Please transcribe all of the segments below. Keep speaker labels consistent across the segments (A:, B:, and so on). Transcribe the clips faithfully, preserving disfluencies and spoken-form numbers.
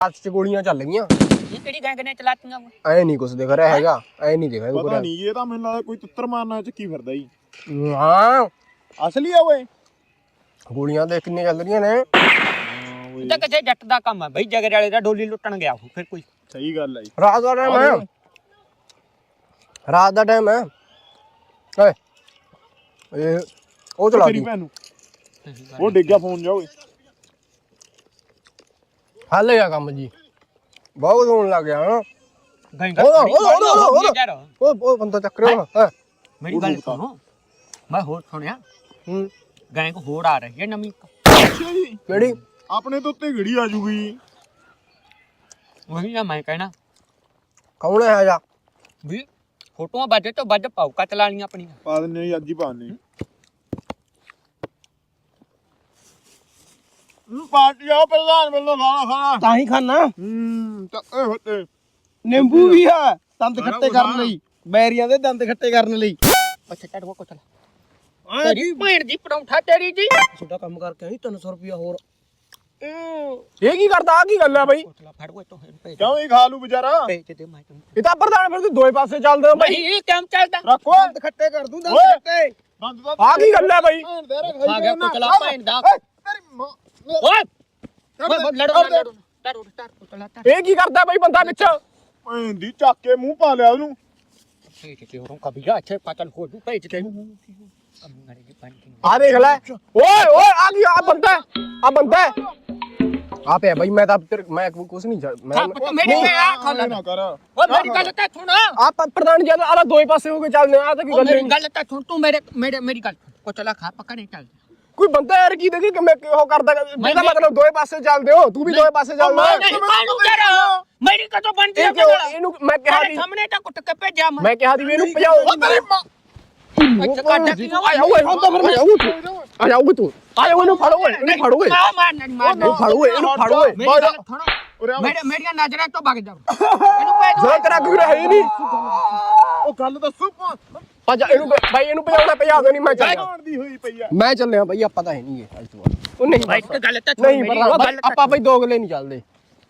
A: ਹੱਥ 'ਚ ਗੋਲੀਆਂ ਚੱਲ ਗਈਆਂ।
B: ਇਹ ਕਿਹੜੀ ਗੈਂਗ ਨੇ ਚਲਾਤੀਆਂ
A: ਐ ਨਹੀਂ ਕੁਛ ਦਿਖ ਰਿਹਾ ਹੈਗਾ, ਐ ਨਹੀਂ ਦਿਖ ਰਿਹਾ।
C: ਪਤਾ ਨਹੀਂ ਇਹ ਤਾਂ ਮੈਨੂੰ ਲੱਗਦਾ ਕੋਈ ਤਿੱਤਰ ਮਾਰਨਾ ਚੱਕੀ ਫਿਰਦਾ ਜੀ।
A: ਹਾਂ
C: ਅਸਲੀ ਆ ਓਏ,
A: ਗੋਲੀਆਂ ਦੇਖ ਕਿੰਨੀਆਂ ਚੱਲ ਰਹੀਆਂ ਨੇ।
B: ਇਹ ਤਾਂ ਕਿਸੇ ਜੱਟ ਦਾ ਕੰਮ ਆ ਬਈ, ਜਗਰ ਵਾਲੇ ਦਾ ਡੋਲੀ ਲੁੱਟਣ ਗਿਆ ਉਹ ਫਿਰ ਕੋਈ।
C: ਸਹੀ ਗੱਲ ਆ ਜੀ।
A: ਰਾਤ ਦਾ ਟਾਈਮ ਹੈ, ਰਾਤ ਦਾ ਟਾਈਮ ਹੈ। ਏ ਇਹ ਉਹ ਚਲਾ
C: ਤੇਰੀ ਭੈਣ ਨੂੰ ਉਹ ਡਿੱਗ ਗਿਆ ਫੋਨ ਜਾ ਓਏ।
A: ਹੱਲ ਗਿਆ ਕੰਮ ਜੀ, ਬਹੁਤ ਹੋਣ ਲੱਗ ਗਿਆ ਹਾਂ।
B: ਗੈਂਗ
A: ਉਹ ਉਹ ਬੰਦਾ ਚੱਕ ਰਿਹਾ ਹੈ।
B: ਮੇਰੀ ਗੱਲ ਸੁਣੋ, ਮੈਂ ਹੋਰ ਸੁਣਿਆ
A: ਹੂੰ
B: ਗੈਂਗ ਹੋਰ ਆ ਰਹੀ ਹੈ ਨਵੀਂ।
C: ਅੱਛਾ ਜੀ,
A: ਕਿਹੜੀ?
C: ਆਪਣੇ ਤੋਂ ਉੱਤੇ ਘੜੀ ਆ ਜੂਗੀ।
B: ਉਹੀ ਨਾ ਮੈਂ ਕਹਿਣਾ
A: ਕੌਣ ਹੈ ਜਾ
B: ਵੀ ਫੋਟੋਆਂ ਵੱਜ ਤੋਂ ਵੱਜ ਪੌਕਾ ਚਲਾ ਲੀਆਂ ਆਪਣੀਆਂ।
C: ਪਾ ਦਿੰਨੇ ਜੀ, ਅੱਜ ਹੀ ਪਾਣੇ ਨੂੰ ਪਾਰਟੀ ਆ ਪ੍ਰਧਾਨ ਵੱਲੋਂ ਖਾਣਾ ਖਾਣਾ
A: ਤਾਂ ਹੀ ਖਾਣਾ।
C: ਹੂੰ ਚੱਕੇ ਹੋਤੇ
A: ਨਿੰਬੂ ਵੀ ਆ ਦੰਦ ਖੱਟੇ ਕਰਨ ਲਈ, ਬੈਰੀਆਂ ਦੇ ਦੰਦ ਖੱਟੇ ਕਰਨ ਲਈ।
B: ਅੱਛਾ ਚੱਲ ਉਹ ਕੋਲ ਤੇਰੀ ਭੈਣ ਦੀ ਪਰੌਂਠਾ ਤੇਰੀ ਜੀ।
A: ਛੋਟਾ ਕੰਮ ਕਰਕੇ ਆਈ ਤਿੰਨ ਸੌ ਰੁਪਇਆ ਹੋਰ। ਇਹ ਕੀ ਕਰਦਾ? ਆ ਕੀ ਗੱਲ ਆ ਬਈ?
B: ਕੋਟਲਾ ਫੜ ਓਏ ਤੋਂ ਭੇਜ
C: ਕਿਉਂ ਹੀ ਖਾ ਲੂ ਵਿਚਾਰਾ।
B: ਭੇਜ ਦੇ ਮੈਂ ਤੈਨੂੰ।
A: ਇਹ ਤਾਂ ਪ੍ਰਧਾਨ ਫਿਰ ਤੂੰ ਦੋਏ ਪਾਸੇ ਚੱਲਦੇ ਹੋ ਬਈ।
B: ਨਹੀਂ ਇਹ ਕੰਮ ਚੱਲਦਾ।
C: ਰੱਖੋ
A: ਦੰਦ ਖੱਟੇ ਕਰ ਦੂੰ ਦੰਦ ਖੱਟੇ।
C: ਬੰਦ ਦਾ
A: ਆ ਕੀ ਗੱਲ ਆ ਬਈ?
B: ਆ ਗਿਆ ਕੋਟਲਾ ਭੈਣ ਦਾ।
C: ਤੇਰੀ ਮਾਂ
B: ਓਏ ਓਏ ਲੜੋ ਲੜੋ ਲੜੋ ਕੋਟਲਾ ਤਾ
A: ਇਹ ਕੀ ਕਰਦਾ ਬਈ ਬੰਦਾ ਵਿੱਚ?
C: ਭੈਣ ਦੀ ਚੱਕ ਕੇ ਮੂੰਹ ਪਾ ਲਿਆ ਉਹਨੂੰ।
B: ਭੇਜ ਦੇ ਉਹ ਕਬੀਰਾ ਅੱਛੇ ਪਤਲ ਹੋ ਜੂ ਭੇਜ ਦੇ ਕੰਮੜੇ ਦੀ ਪਾਣੀ।
A: ਆ ਦੇਖ ਲੈ, ਓਏ ਓਏ ਆ ਕੀ ਆ ਬੰਦਾ, ਆ ਬੰਦਾ ਆ ਪਿਆ ਬਈ। ਮੈਂ ਤਾਂ ਤੇਰੇ ਮੈਂ ਕੁਛ ਨਹੀਂ ਮੈਂ
B: ਮੇਰੀ ਆ ਖਾਣਾ
C: ਨਾ ਕਰ
B: ਓਏ ਮੇਰੀ ਗੱਲ ਤਾਂ ਸੁਣ।
A: ਆ ਪ੍ਰਧਾਨ ਜੀ ਆਲਾ ਦੋਏ ਪਾਸੇ ਹੋ ਕੇ ਚੱਲਦੇ ਆ ਤਾਂ ਕੀ ਗੱਲ
B: ਮੇਰੀ
A: ਨਹੀਂ।
B: ਗੱਲ ਤਾਂ ਸੁਣ ਤੂੰ ਮੇਰੇ ਮੇਰੇ ਮੇਰੀ ਗੱਲ ਕੋਟਲਾ ਖਾ ਪੱਕਾ ਨਹੀਂ ਚੱਲ।
A: ਕੋਈ ਬੰਦਾ ਯਾਰ ਕੀ ਦੇਖੀ ਕਿ ਮੈਂ ਉਹ ਕਰਦਾ, ਇਹਦਾ ਮਤਲਬ ਦੋਏ ਪਾਸੇ ਚੱਲਦੇ ਹੋ, ਤੂੰ ਵੀ ਦੋਏ ਪਾਸੇ ਚੱਲਦਾ।
B: ਨਹੀਂ ਕਾਹਨੂੰ ਕਰ ਮੇਰੀ ਕਦੋਂ ਬਣਦੀ ਹੈ?
A: ਇਹਨੂੰ ਮੈਂ ਕਿਹਾ ਦੀ
B: ਸਾਹਮਣੇ ਤਾਂ ਕੁੱਟ ਕੇ ਭੇਜਿਆ ਮੈਂ।
A: ਮੈਂ ਕਿਹਾ ਦੀ ਵੀ ਇਹਨੂੰ ਭਜਾਓ।
C: ਤੇਰੀ ਮਾਂ
B: ਅੱਛਾ ਕਾਟਾ ਕੀ
A: ਆ ਜਾ ਓਏ, ਹੁਣ ਤਾਂ ਫਿਰ ਮੈਂ ਆਊਂ ਤੂੰ ਆ ਜਾ ਓਏ ਤੂੰ ਆ ਜਾ ਇਹਨੂੰ ਫੜੋ ਓਏ, ਇਹਨੂੰ ਫੜੋ ਓਏ,
B: ਮਾਰ ਮਾਰ ਨਹੀਂ ਮਾਰ
A: ਇਹਨੂੰ ਫੜੋ ਓਏ, ਇਹਨੂੰ ਫੜੋ ਓਏ।
B: ਮੇਰੀ ਗੱਲ ਸੁਣੋ, ਮੇਰੇ ਮੇਰੀਆਂ ਨਜ਼ਰਾਂ ਤੋਂ ਭੱਜ ਜਾ। ਇਹਨੂੰ ਭੇਜ
A: ਜਿਹੜਾ ਤੇਰਾ ਕੋਈ ਹੈ ਹੀ ਨਹੀਂ।
C: ਉਹ ਗੱਲ ਦੱਸੂ
A: ਆ ਜਾ ਇਹਨੂੰ ਬਾਈ, ਇਹਨੂੰ ਭਜਾਉਣਾ ਭਜਾ ਦੇ। ਨਹੀਂ ਮੈਂ ਚੱਲਿਆ,
C: ਜਾਣ ਦੀ ਹੋਈ ਪਈ ਆ।
A: ਮੈਂ ਚੱਲਿਆ ਬਈ। ਆਪਾਂ ਤਾਂ ਹੈ ਨਹੀਂ ਇਹ ਅੱਜ ਤੋਂ ਬਾਅਦ। ਉਹ ਨਹੀਂ
B: ਭਾਈ ਤੇ ਗੱਲ ਤਾਂ
A: ਨਹੀਂ ਪਰ ਆਪਾਂ ਬਈ ਦੋਗਲੇ ਨਹੀਂ ਚੱਲਦੇ।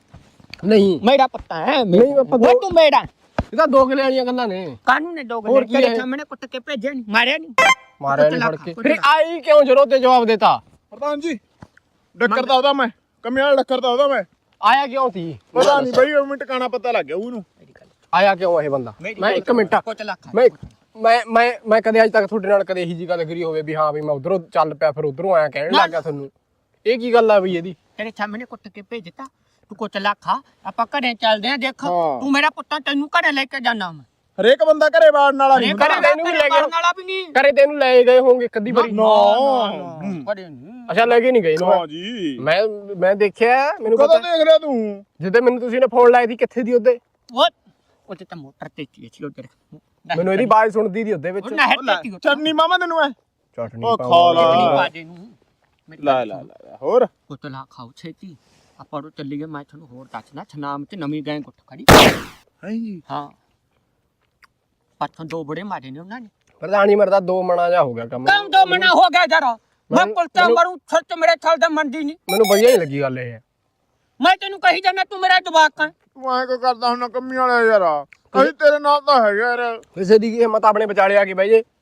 A: ਨਹੀਂ
B: ਮੇਰਾ ਪੱਤਾ ਹੈ
A: ਨਹੀਂ ਆਪਾਂ
B: ਉਹ ਤੂੰ ਮੇਰਾ
A: ਇਹ ਤਾਂ ਦੋਗਲੇ ਵਾਲੀਆਂ ਗੱਲਾਂ ਨੇ।
B: ਕਾਨੂੰਨ ਨੇ ਦੋ
A: ਹੋਰ
B: ਗੱਲੇ
A: ਕੀ
B: ਤੇਰੇ
A: ਹੈ?
B: ਸਾਹਮਣੇ ਕੁੱਟ ਕੇ ਭੇਜਿਆ ਨਹੀਂ, ਮਾਰਿਆ ਨਹੀਂ।
A: ਮਾਰਿਆ ਨਹੀਂ ਫੜ ਕੇ। ਫਿਰ ਆਈ ਕਿਉਂ ਜਦੋਂ ਤੇ ਜਵਾਬ ਦੇਤਾ?
C: ਪ੍ਰਧਾਨ ਜੀ ਡੱਕਰ ਦਾ ਉਹਦਾ ਮੈਂ ਕੰਮਿਆਂ ਵਾਲਾ ਡੱਕਰ ਦਾ ਉਹਦਾ ਮੈਂ
A: ਆਇਆ ਕਿਉਂ ਸੀ?
C: ਪਤਾ ਨਹੀਂ ਬਈ ਉਹ ਮਿੰਟ ਟਿਕਾਣਾ ਪਤਾ ਲੱਗ ਗਿਆ ਉਹਨੂੰ।
A: ਆਇਆ ਕਿਉਂ ਇਹ ਬੰਦਾ? ਮੈਂ ਇੱਕ ਮਿੰਟ
B: ਕੋਟਲਾ ਖਾ
A: ਮੈਂ ਮੈਂ ਮੈਂ ਮੈਂ ਕਦੇ ਅੱਜ ਤੱਕ ਤੁਹਾਡੇ ਨਾਲ ਕਦੇ ਇਹੀ ਜੀ ਗੱਲ ਕਰੀ ਹੋਵੇ ਵੀ ਹਾਂ ਵੀ ਮੈਂ ਉਧਰੋਂ ਚੱਲ ਪਿਆ ਫਿਰ ਉਧਰੋਂ ਆਇਆ ਕਹਿਣ ਲੱਗ ਗਿਆ ਤੁਹਾਨੂੰ? ਇਹ ਕੀ ਗੱਲ ਆ ਬਈ ਇਹਦੀ?
B: ਤੇਰੇ ਸਾਹਮਣੇ ਕੁੱਟ ਕੇ ਭੇਜ ਦਿੱਤਾ। ਤੂੰ ਕੋਟਲਾ ਖਾ, ਆਪਾਂ ਘਰੇ ਚੱਲਦੇ ਆਂ। ਦੇਖ ਤੂੰ ਮੇਰਾ ਪੁੱਤਾਂ ਤੈਨੂੰ ਘਰੇ ਲੈ ਕੇ ਜਾਣਾ ਮੈਂ।
C: ਹਰੇਕ ਬੰਦਾ ਘਰੇ ਵਾੜਨ ਵਾਲਾ ਨਹੀਂ ਹੁੰਦਾ।
A: ਘਰੇ ਤੈਨੂੰ ਵੀ ਲੈ ਗਏ
B: ਵਾਲਾ ਵੀ ਨਹੀਂ।
A: ਘਰੇ ਤੈਨੂੰ ਲੈ ਗਏ ਹੋਣਗੇ ਇੱਕ ਅੱਧੀ ਵਾਰੀ।
C: ਨਾ
B: ਘਰੇ ਨਹੀਂ।
A: ਅੱਛਾ ਲੈ ਕੇ ਨਹੀਂ ਗਏ
C: ਹਾਂ ਜੀ।
A: ਮੈਂ ਮੈਂ ਦੇਖਿਆ, ਮੈਨੂੰ
C: ਕਦੋਂ
A: ਪਤਾ
C: ਦੇਖ ਰਿਹਾ ਤੂੰ?
A: ਜਿੱਦੇ ਮੈਨੂੰ ਤੁਸੀਂ ਨੇ ਫੋਨ ਲਾਇਆ ਸੀ ਕਿੱਥੇ ਦੀ ਉਹਦੇ?
B: ਉਹ ਉੱਥੇ ਤਾਂ ਮੋਟਰ ਤੇ ਸੀ ਉਧਰ।
A: ਮੈਨੂੰ ਇਹਦੀ ਆਵਾਜ਼ ਸੁਣਦੀ ਦੀ ਉਹਦੇ ਵਿੱਚ।
B: ਉਹ ਨਹਿਰ ਤੇ ਸੀ।
C: ਚਟਨੀ ਮਾਮਾ ਤੈਨੂੰ ਐ
A: ਚਟਨੀ
C: ਉਹ ਖਾ ਲਾ।
B: ਚਟਨੀ ਪਾ ਦੇ ਨੂੰ।
C: ਲੈ ਲੈ ਲੈ ਹੋਰ
B: ਕੋਟਲਾ ਖਾਓ ਛੇਤੀ। ਆਪਾਂ ਉਹ ਚੱਲੀਏ। ਮੈਂ ਤੁਹਾਨੂੰ ਹੋਰ ਦੱਸਣਾ, ਛਨਾਮ ਚ ਨਵੀਂ ਗੈਂਗ ਉੱਠ ਖੜੀ।
C: ਹੈ ਜੀ।
B: ਹਾਂ ਪਾਥੋਂ ਦੋ ਬੜੇ ਮਾਰੇ ਨੇ ਉਹਨਾਂ ਨੇ।
A: ਪ੍ਰਧਾਨੀ ਮਰਦਾ ਦੋ ਮਣਾ ਜਾ ਹੋ ਗਿਆ ਕੰਮ।
B: ਕੰਮ ਦੋ ਮਨਾ ਹੋ ਗਿਆ ਜਰਾ। ਮੈਂ ਪੁਲਤਾ ਮਰੂ ਛੱਤ ਮੇਰੇ ਥਲ ਦਾ ਮੰਡੀ ਨਹੀਂ।
A: ਮੈਨੂੰ ਵਧੀਆ ਨਹੀਂ ਲੱਗੀ ਗੱਲ ਇਹ।
B: ਮੈਂ ਤੈਨੂੰ ਕਹੀ ਜਾਂਦਾ ਤੂੰ ਮੇਰਾ ਜਵਾਕ ਹੈ।
C: ਤੂੰ ਐ ਕੋ ਕਰਦਾ ਹੁਣ ਕੰਮੀ ਵਾਲਾ ਯਾਰ। ਕਹੀ ਤੇਰੇ ਨਾਲ ਤਾਂ ਹੈਗਾ ਯਾਰ।
A: ਕਿਸੇ ਦੀ ਕੀ ਹਿੰਮਤ ਆਪਣੇ ਵਿਚਾਲੇ ਆ ਕੇ ਬਹਿ ਜੇ।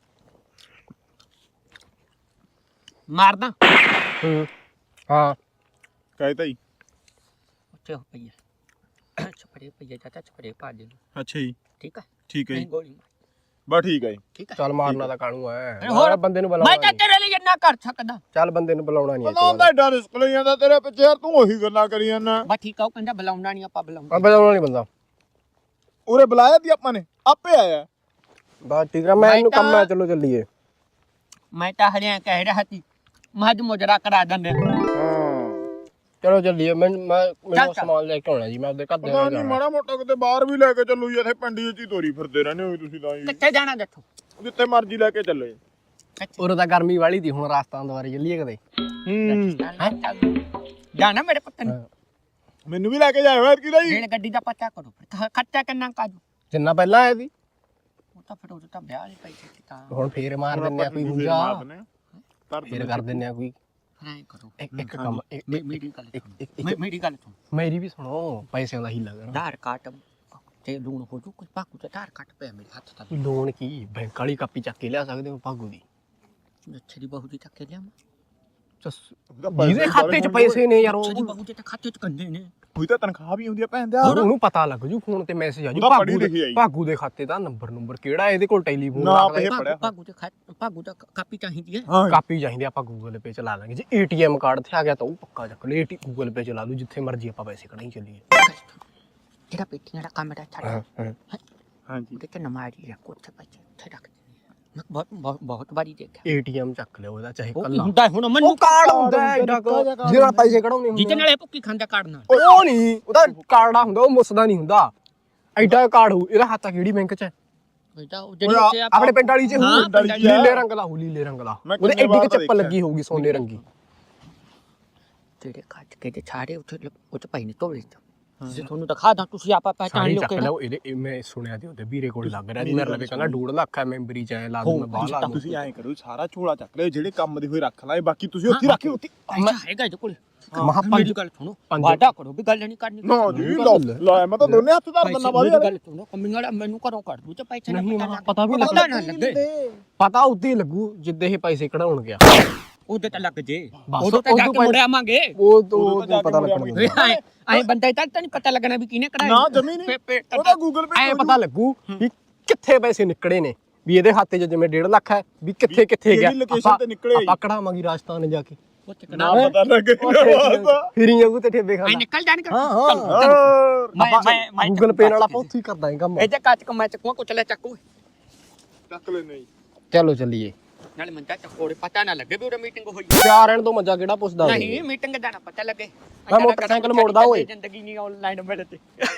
B: ਮਾਰਦਾ
A: ਹੂੰ ਹਾਂ
C: ਕਹਿ ਤਾਈ
B: ਉੱਥੇ ਹੋ ਪਈ ਹੈ। ਛਪੜੇ ਪਈਏ ਚਾਚਾ, ਛਪੜੇ ਪਾ ਦੇ।
C: ਅੱਛਾ ਜੀ
B: ਠੀਕ ਹੈ
C: ਠੀਕ ਹੈ
B: ਨਹੀਂ
C: ਜੀ
B: ਗੋਲੀ ਮਾਰ।
C: ਬਸ ਠੀਕ ਹੈ ਜੀ।
B: ਠੀਕ ਹੈ
A: ਚੱਲ ਮਾਰਨਾ ਤਾਂ ਕਾਣੂ ਐ।
B: ਹੋਰ
A: ਬੰਦੇ ਨੂੰ
B: ਮੈਂ
A: ਬੁਲਾਉਣਾ
B: ਤਾਂ ਤੇਰੇ ਲਈ ਇੰਨਾ ਕਰ ਸਕਦਾ।
A: ਚੱਲ ਬੰਦੇ ਨੂੰ ਬੁਲਾਉਣਾ ਨਹੀਂ
C: ਪਤਾ ਹੁੰਦਾ ਏਡਾ ਰਿਸਕ ਲਈ ਜਾਂਦਾ ਤੇਰੇ ਪਿੱਛੇ ਯਾਰ। ਤੂੰ ਉਹੀ ਗੱਲਾਂ ਕਰੀ ਜਾਂਦਾ।
B: ਬਸ ਠੀਕ ਆ, ਉਹ ਕਹਿੰਦਾ ਬੁਲਾਉਣਾ ਨਹੀਂ, ਆਪਾਂ ਬੁਲਾਉਂਦੇ।
A: ਆ ਬੁਲਾਉਣਾ ਨਹੀਂ ਬੰਦਾ।
C: ਉਰੇ ਬੁਲਾਇਆ ਤੀ ਆਪਾਂ ਨੇ, ਆਪੇ ਆਇਆ।
A: ਬਸ ਠੀਕ ਆ, ਮੈਂ ਇਹਨੂੰ ਕੰਮ ਹੈ, ਚਲੋ ਚੱਲੀਏ।
B: ਮੈਂ ਤਾਂ ਹਰਿਆ ਕਹਿ ਰਿਹਾ ਸੀ ਮੱਝ ਮੁਜਰਾ ਕਰਾ ਦਿੰਦੇ।
C: ਹਾਂ
A: ਚਲੋ ਚੱਲੀਏ। ਮੈਂ ਮੈਂ ਮੈਨੂੰ ਸਮਾਨ ਲੈ ਕੇ ਆਉਣਾ ਜੀ। ਮੈਂ ਉਹਦੇ ਘਰ ਦੇ
C: ਪਤਾ ਨਹੀਂ ਮਾੜਾ ਮੋਟਾ ਕਿਤੇ ਬਾਹਰ ਵੀ ਲੈ ਕੇ ਚੱਲੂ ਜੀ। ਇੱਥੇ ਪਿੰਡੀ ਚ ਹੀ ਤੋਰੀ ਫਿਰਦੇ ਰਹਿੰਦੇ ਹੋ ਤੁਸੀਂ ਤਾਂ ਜੀ।
B: ਕਿੱਥੇ ਜਾਣਾ ਦੱਸੋ?
C: ਜਿੱਥੇ ਮਰਜ਼ੀ ਲੈ ਕੇ ਚੱਲੋ ਜੀ।
A: ਉਰੇ ਤਾਂ ਗਰਮੀ ਵਾਲੀ ਦੀ, ਹੁਣ ਰਾਸਤਾਂ ਦੁਆਰੇ ਚੱਲੀਏ ਕਦੇ।
C: ਹੂੰ
B: ਜਾਣਾ ਮੇਰੇ ਪੁੱਤ ਨੇ।
C: ਮੈਨੂੰ ਵੀ ਲੈ ਕੇ ਜਾਇਓ ਯਾਰ ਕਿਦਾ ਜੀ।
B: ਰੇਲ ਗੱਡੀ ਦਾ ਪਤਾ ਕਰੋ ਫਿਰ। ਖਰਚਾ ਕਿੰਨਾ ਕਾਜੂ?
A: ਜਿੰਨਾ ਪਹਿਲਾਂ ਆਇਆ ਸੀ
B: ਉਹ ਤਾਂ ਫਿਰ ਉਹ ਤਾਂ ਵਿਆਹ ਨਹੀਂ ਪੈਸੇ ਸੀ ਤਾਂ।
A: ਹੁਣ ਫੇਰ ਮਾਰ ਦਿੰਨੇ ਆ ਕੋਈ ਹੁੰਜਾ। ਫੇਰ ਕਰ ਦਿੰਨੇ ਆ ਕੋਈ।
B: ਐਂ ਕਰੋ
A: ਇੱਕ ਇੱਕ ਕੰਮ ਇੱਕ-
B: ਮੇ- ਮੇਰੀ ਗੱਲ
A: ਇੱਕ-
B: ਸੁਣੋ
A: ਇੱਕ-
B: ਮੇ- ਮੇਰੀ ਗੱਲ ਸੁਣ
A: ਮੇਰੀ ਵੀ ਸੁਣੋ ਪੈਸਿਆਂ ਦਾ ਹੀ ਲੱਗਣਾ
B: ਆਧਾਰ ਕਾਰਡ ਤੇ ਲੂਣ ਹੋ ਜੂ ਕੁਝ ਭਾਕੂ ਤੇ ਆਧਾਰ ਕਾਰਡ ਪਿਆ ਮੇਰੇ ਹੱਥ ਤੱਕ
A: ਲੋਨ ਕੀ ਬੈਂਕ ਵਾਲੀ ਕਾਪੀ ਚੱਕ ਕੇ ਲਿਆ ਸਕਦੇ ਹੋ ਭਾਗੂ ਦੀ
B: ਅੱਛੇ ਦੀ ਬਹੂ ਦੀ ਚੱਕ ਕੇ ਲਿਆ
A: ਜਿਹਦੇ ਖਾਤੇ 'ਚ ਪੈਸੇ ਨੇ ਯਾਰ
B: ਅੱਛੇ ਦੀ
A: ਉਹ
B: ਬਹੂ ਦੇ ਤਾਂ ਖਾਤੇ 'ਚ ਕੰਦੇ ਨੇ
C: ਕੋਈ ਤਾਂ ਤਨਖਾਹ ਵੀ ਆਉਂਦੀ ਆ ਭੈਣ ਦਾ
A: ਉਹਨੂੰ ਪਤਾ ਲੱਗ ਜੂ ਫੋਨ ਤੇ ਮੈਸੇਜ ਆ ਜੂ
C: ਉਹਦਾ ਪੜ੍ਹੀ
A: ਭਾਗੂ
C: ਲਿਖੀ
A: ਦੇ
C: ਆਈ।
A: ਭਾਗੂ ਦੇ ਖਾਤੇ ਦਾ ਨੰਬਰ ਨੰਬਰ ਕਿਹੜਾ ਇਹਦੇ ਕੋਲ ਟੈਲੀਫੋਨ
C: ਨਾ,
A: ਲੱਗਦਾ
C: ਇਹ
A: ਹੈ।
C: ਪੜਿਆ
B: ਭਾਗੂ ਦੇ ਖਾਤੇ ਭਾਗੂ ਦਾ ਕਾਪੀ ਚਾਹੀਦੀ ਹੈ
C: ਹਾਂ
A: ਕਾਪੀ ਚਾਹੀਦੀ ਆਪਾਂ ਗੂਗਲ ਪੇ ਚਲਾ ਲਾਂਗੇ ਜੇ ਏਟੀਐਮ ਕਾਰਡ ਤੇ ਆ ਗਿਆ ਤਾਂ ਉਹ ਪੱਕਾ ਚੱਕ ਲੈ ਏਟੀ ਗੂਗਲ ਪੇ ਚਲਾ ਲੂ ਜਿੱਥੇ ਮਰਜ਼ੀ ਆਪਾਂ ਪੈਸੇ ਕਢਾਈ ਚੱਲੀਏ
B: ਜਿਹੜਾ ਪੇਟੀਆਂ ਦਾ ਕੰਮ ਹੈ ਛੱਡ
C: ਹਾਂਜੀ
B: ਉਹਦੇ ਤੇ ਨਮਾਰੀ ਰੱਖੋ ਉੱਥੇ ਪੈਸੇ ਉੱਥੇ ਰੱਖ ਦਿੰਦੇ ਆ। ਮੈਂ ਬਹੁਤ ਬਹੁਤ ਬਹੁਤ ਵਾਰੀ ਦੇਖਿਆ
A: ਏਟੀਐਮ ਚੱਕ ਲਿਆ ਉਹਦਾ ਚਾਹੇ
B: ਉਹ
A: ਕੱਲਾ
B: ਹੁੰਦਾ ਹੁਣ ਮੈਨੂੰ
A: ਕਾਰਡ ਹੁੰਦਾ ਹੈ ਏਡਾ ਕੁ, ਜਿਹਦੇ ਨਾਲ ਪੈਸੇ ਕਢਾਉਣੇ ਹੁੰਦੇ
B: ਜਿਹਦੇ
A: ਆ।
B: ਨਾਲ ਇਹ ਭੁੱਕੀ ਖਾਂਦਾ ਕਾਰਡ ਨਾਲ
A: ਉਹ ਨਹੀਂ ਉਹਦਾ ਕਾਰਡਾ ਹੁੰਦਾ ਉਹ ਮੁੱਸਦਾ ਨਹੀਂ ਹੁੰਦਾ ਐਡਾ ਕਾਰਡ ਹੋਊ ਇਹਦਾ ਹੱਥ ਕਿਹੜੀ ਬੈਂਕ 'ਚ ਹੈ
B: ਇਹਦਾ ਉਹ ਜਿਹੜੀ ਉੱਥੇ ਆਪਾਂ
A: ਆਪਣੇ ਪਿੰਡ ਵਾਲੀ 'ਚ
B: ਹਾਂ,
A: ਹੋਊ
B: ਪਿੰਡ ਵਾਲੀ 'ਚ।
A: ਲੀਲੇ ਰੰਗ ਦਾ ਹੋਊ ਲੀਲੇ ਰੰਗ ਦਾ
C: ਮੈਂ
A: ਉਹਦੇ
C: ਕਿੰਨੇ
A: ਐਡੀ
C: ਵਾਰ
A: ਕਿ
C: ਤਾਂ
A: ਚੱਪਲ
C: ਦੇਖਿਆ।
A: ਲੱਗੀ ਹੋਊਗੀ ਸੋਨੇ ਰੰਗੀ
B: ਜਿਹੜੇ ਕੱਟ ਕੇ ਤੇ ਛਾੜੇ ਉੱਥੇ ਉੱਥੇ ਪਈ ਨੇ ਤੋਲੇ ਚ ਜੇ ਤੁਹਾਨੂੰ ਦਿਖਾ ਦਾਂ ਤੁਸੀਂ ਆਪਾ ਪਹਿਚਾਣ
A: ਸਾਰੀ
B: ਲਿਓ
A: ਚੱਕ
B: ਕਿ
A: ਲਿਆ ਇਹਦੇ ਇਹ ਮੈਂ ਸੁਣਿਆ ਤੇ ਉਹਦੇ ਵੀਰੇ ਕੋਲ ਲੱਗ ਰਿਹਾ ਸੀ ਮੇਰੇ ਲਵੇ ਕਹਿੰਦਾ ਡੂਢ ਲੱਖ ਹੈ ਮੈਂਬਰੀ 'ਚ ਐ ਲਾ ਦੂੰ ਮੈਂ ਬਾਹਰ ਲਾ ਦੂੰ
C: ਤੁਸੀਂ ਐਂ ਕਰੋ ਸਾਰਾ ਝੋਲਾ ਚੱਕ ਲਿਓ ਜਿਹੜੇ ਕੰਮ ਦੇ ਹੋਏ ਰੱਖ ਲਾਏ ਬਾਕੀ ਤੁਸੀਂ ਉੱਥੇ ਰੱਖਿਓ ਉੱਥੇ
B: ਅੱਛਾ ਹੈਗਾ ਇਹਦੇ ਕੋਲ
A: ਮਹਾ
B: ਮੇਰੀ
A: ਪੰਜ
B: ਗੱਲ ਸੁਣੋ
A: ਪੰਜ-
B: ਵਾਦਾ ਕਰੋ ਵੀ ਗੱਲ ਨਹੀਂ ਕਰਨੀ
C: ਨਾ ਜੀ ਲਓ ਲੈ ਮੈਂ ਤਾਂ ਦੋਨੇ ਹੱਥ ਧਰ ਦਿੰਦਾ
B: ਮੇਰੀ
C: ਬਾਅਦ
B: ਗੱਲ ਸੁਣੋ ਕੰਮੀ ਵਾਲਾ ਮੈਨੂੰ ਘਰੋਂ ਕੱਢ ਦੂ ਤੇ ਪੈਸੇ ਨਾ
A: ਨਹੀਂ
B: ਪਤਾ
A: ਮਹਾ
B: ਲੱਗ
A: ਪਤਾ ਵੀ
B: ਪਤਾ
A: ਲੱਗ
B: ਨਾ ਲੱਗੇ
A: ਪਤਾ ਉੱਤੇ ਲੱਗੂ ਜਿੱਦੇ ਇਹ ਪੈਸੇ ਕਢਾਉਣ ਗਿਆ
B: ਉਹਦੇ ਤਾਂ ਲੱਗ ਜੇ
A: ਬਸ
B: ਉਦੋਂ ਤਾਂ ਜਾ
A: ਉਦੋਂ
B: ਕੇ ਮੁੜ ਆਵਾਂਗੇ
A: ਉਹ ਤੋਂ
C: ਉਦੋਂ ਤਾਂ ਜਾ ਕੇ
A: ਪਤਾ
C: ਮੁੜਿਆ
A: ਲੱਗਣਾ
B: ਐ ਐ ਬੰਦਾ ਤਾਂ ਤਾਂ ਨਹੀਂ ਪਤਾ ਲੱਗਣਾ ਵੀ ਕਿਹਨੇ ਕਢਾਇਆ
C: ਨਾ ਜਮੀ ਨਹੀਂ ਉਹਦਾ ਗੂਗਲ ਪੇ
A: ਐ ਪਤਾ ਲੱਗੂ ਵੀ ਕਿੱਥੇ ਪੈਸੇ ਨਿਕਲੇ ਨੇ ਵੀ ਇਹਦੇ ਖਾਤੇ 'ਚ ਜਿਵੇਂ ਡੇਢ ਲੱਖ ਹੈ ਵੀ ਕਿੱਥੇ ਕਿੱਥੇ ਗਿਆ
C: ਕਿਹੜੀ location ਤੇ ਨਿਕਲੇ ਆ ਜੀ।
A: ਆਪਾਂ ਕਢਾਵਾਂਗੇ ਰਾਜਸਥਾਨ ਜਾ ਕੇ
B: ਉੱਥੇ
C: ਨਾ
B: ਕਢਾ
C: ਪਤਾ ਲੱਗੇ
A: ਫਿਰ ਹੀ ਜਾਊ ਤੇ ਠੇਬੇ
B: ਐ
A: ਖਾਣਾ
B: ਨਿਕਲ ਜਾਣਗੇ
A: ਹਾਂ ਹਾਂ
B: ਮੈਂ ਮੈਂ ਮੈਂ
A: ਗੂਗਲ ਪੇ ਨਾਲ ਆਪਾਂ ਉੱਥੇ ਹੀ ਕਰਦਾ ਕੰਮ
B: ਇਹ ਜੇ ਕੱਚ ਕਮਾ ਚੱਕੂ ਕੋ ਚਲੇ ਚੱਕੂ
C: ਚੱਕ ਲੈ ਨਹੀਂ
A: ਚਲੋ ਚੱਲੀਏ
B: ਨਾਲੇ ਮੰਦਾ ਚੱਕੋੜੇ ਪਤਾ ਨਾ ਲੱਗੇ ਵੀ ਉਹਦਾ ਮੀਟਿੰਗ ਹੋਈ
A: ਚਾਰ ਰਹਿਣ ਤੋਂ ਮੱਜਾ ਕਿਹੜਾ ਪੁੱਛਦਾ ਹੋਵੇ।
B: ਨਹੀਂ ਮੀਟਿੰਗ ਦਾ ਨਾ ਪਤਾ ਲੱਗੇ
A: ਮੈਂ ਮੋਟਰਸਾਈਕਲ ਮੋੜਦਾ ਓਏ।
B: ਜ਼ਿੰਦਗੀ ਨਹੀਂ ਆਨਲਾਈਨ ਮਿਲਦੀ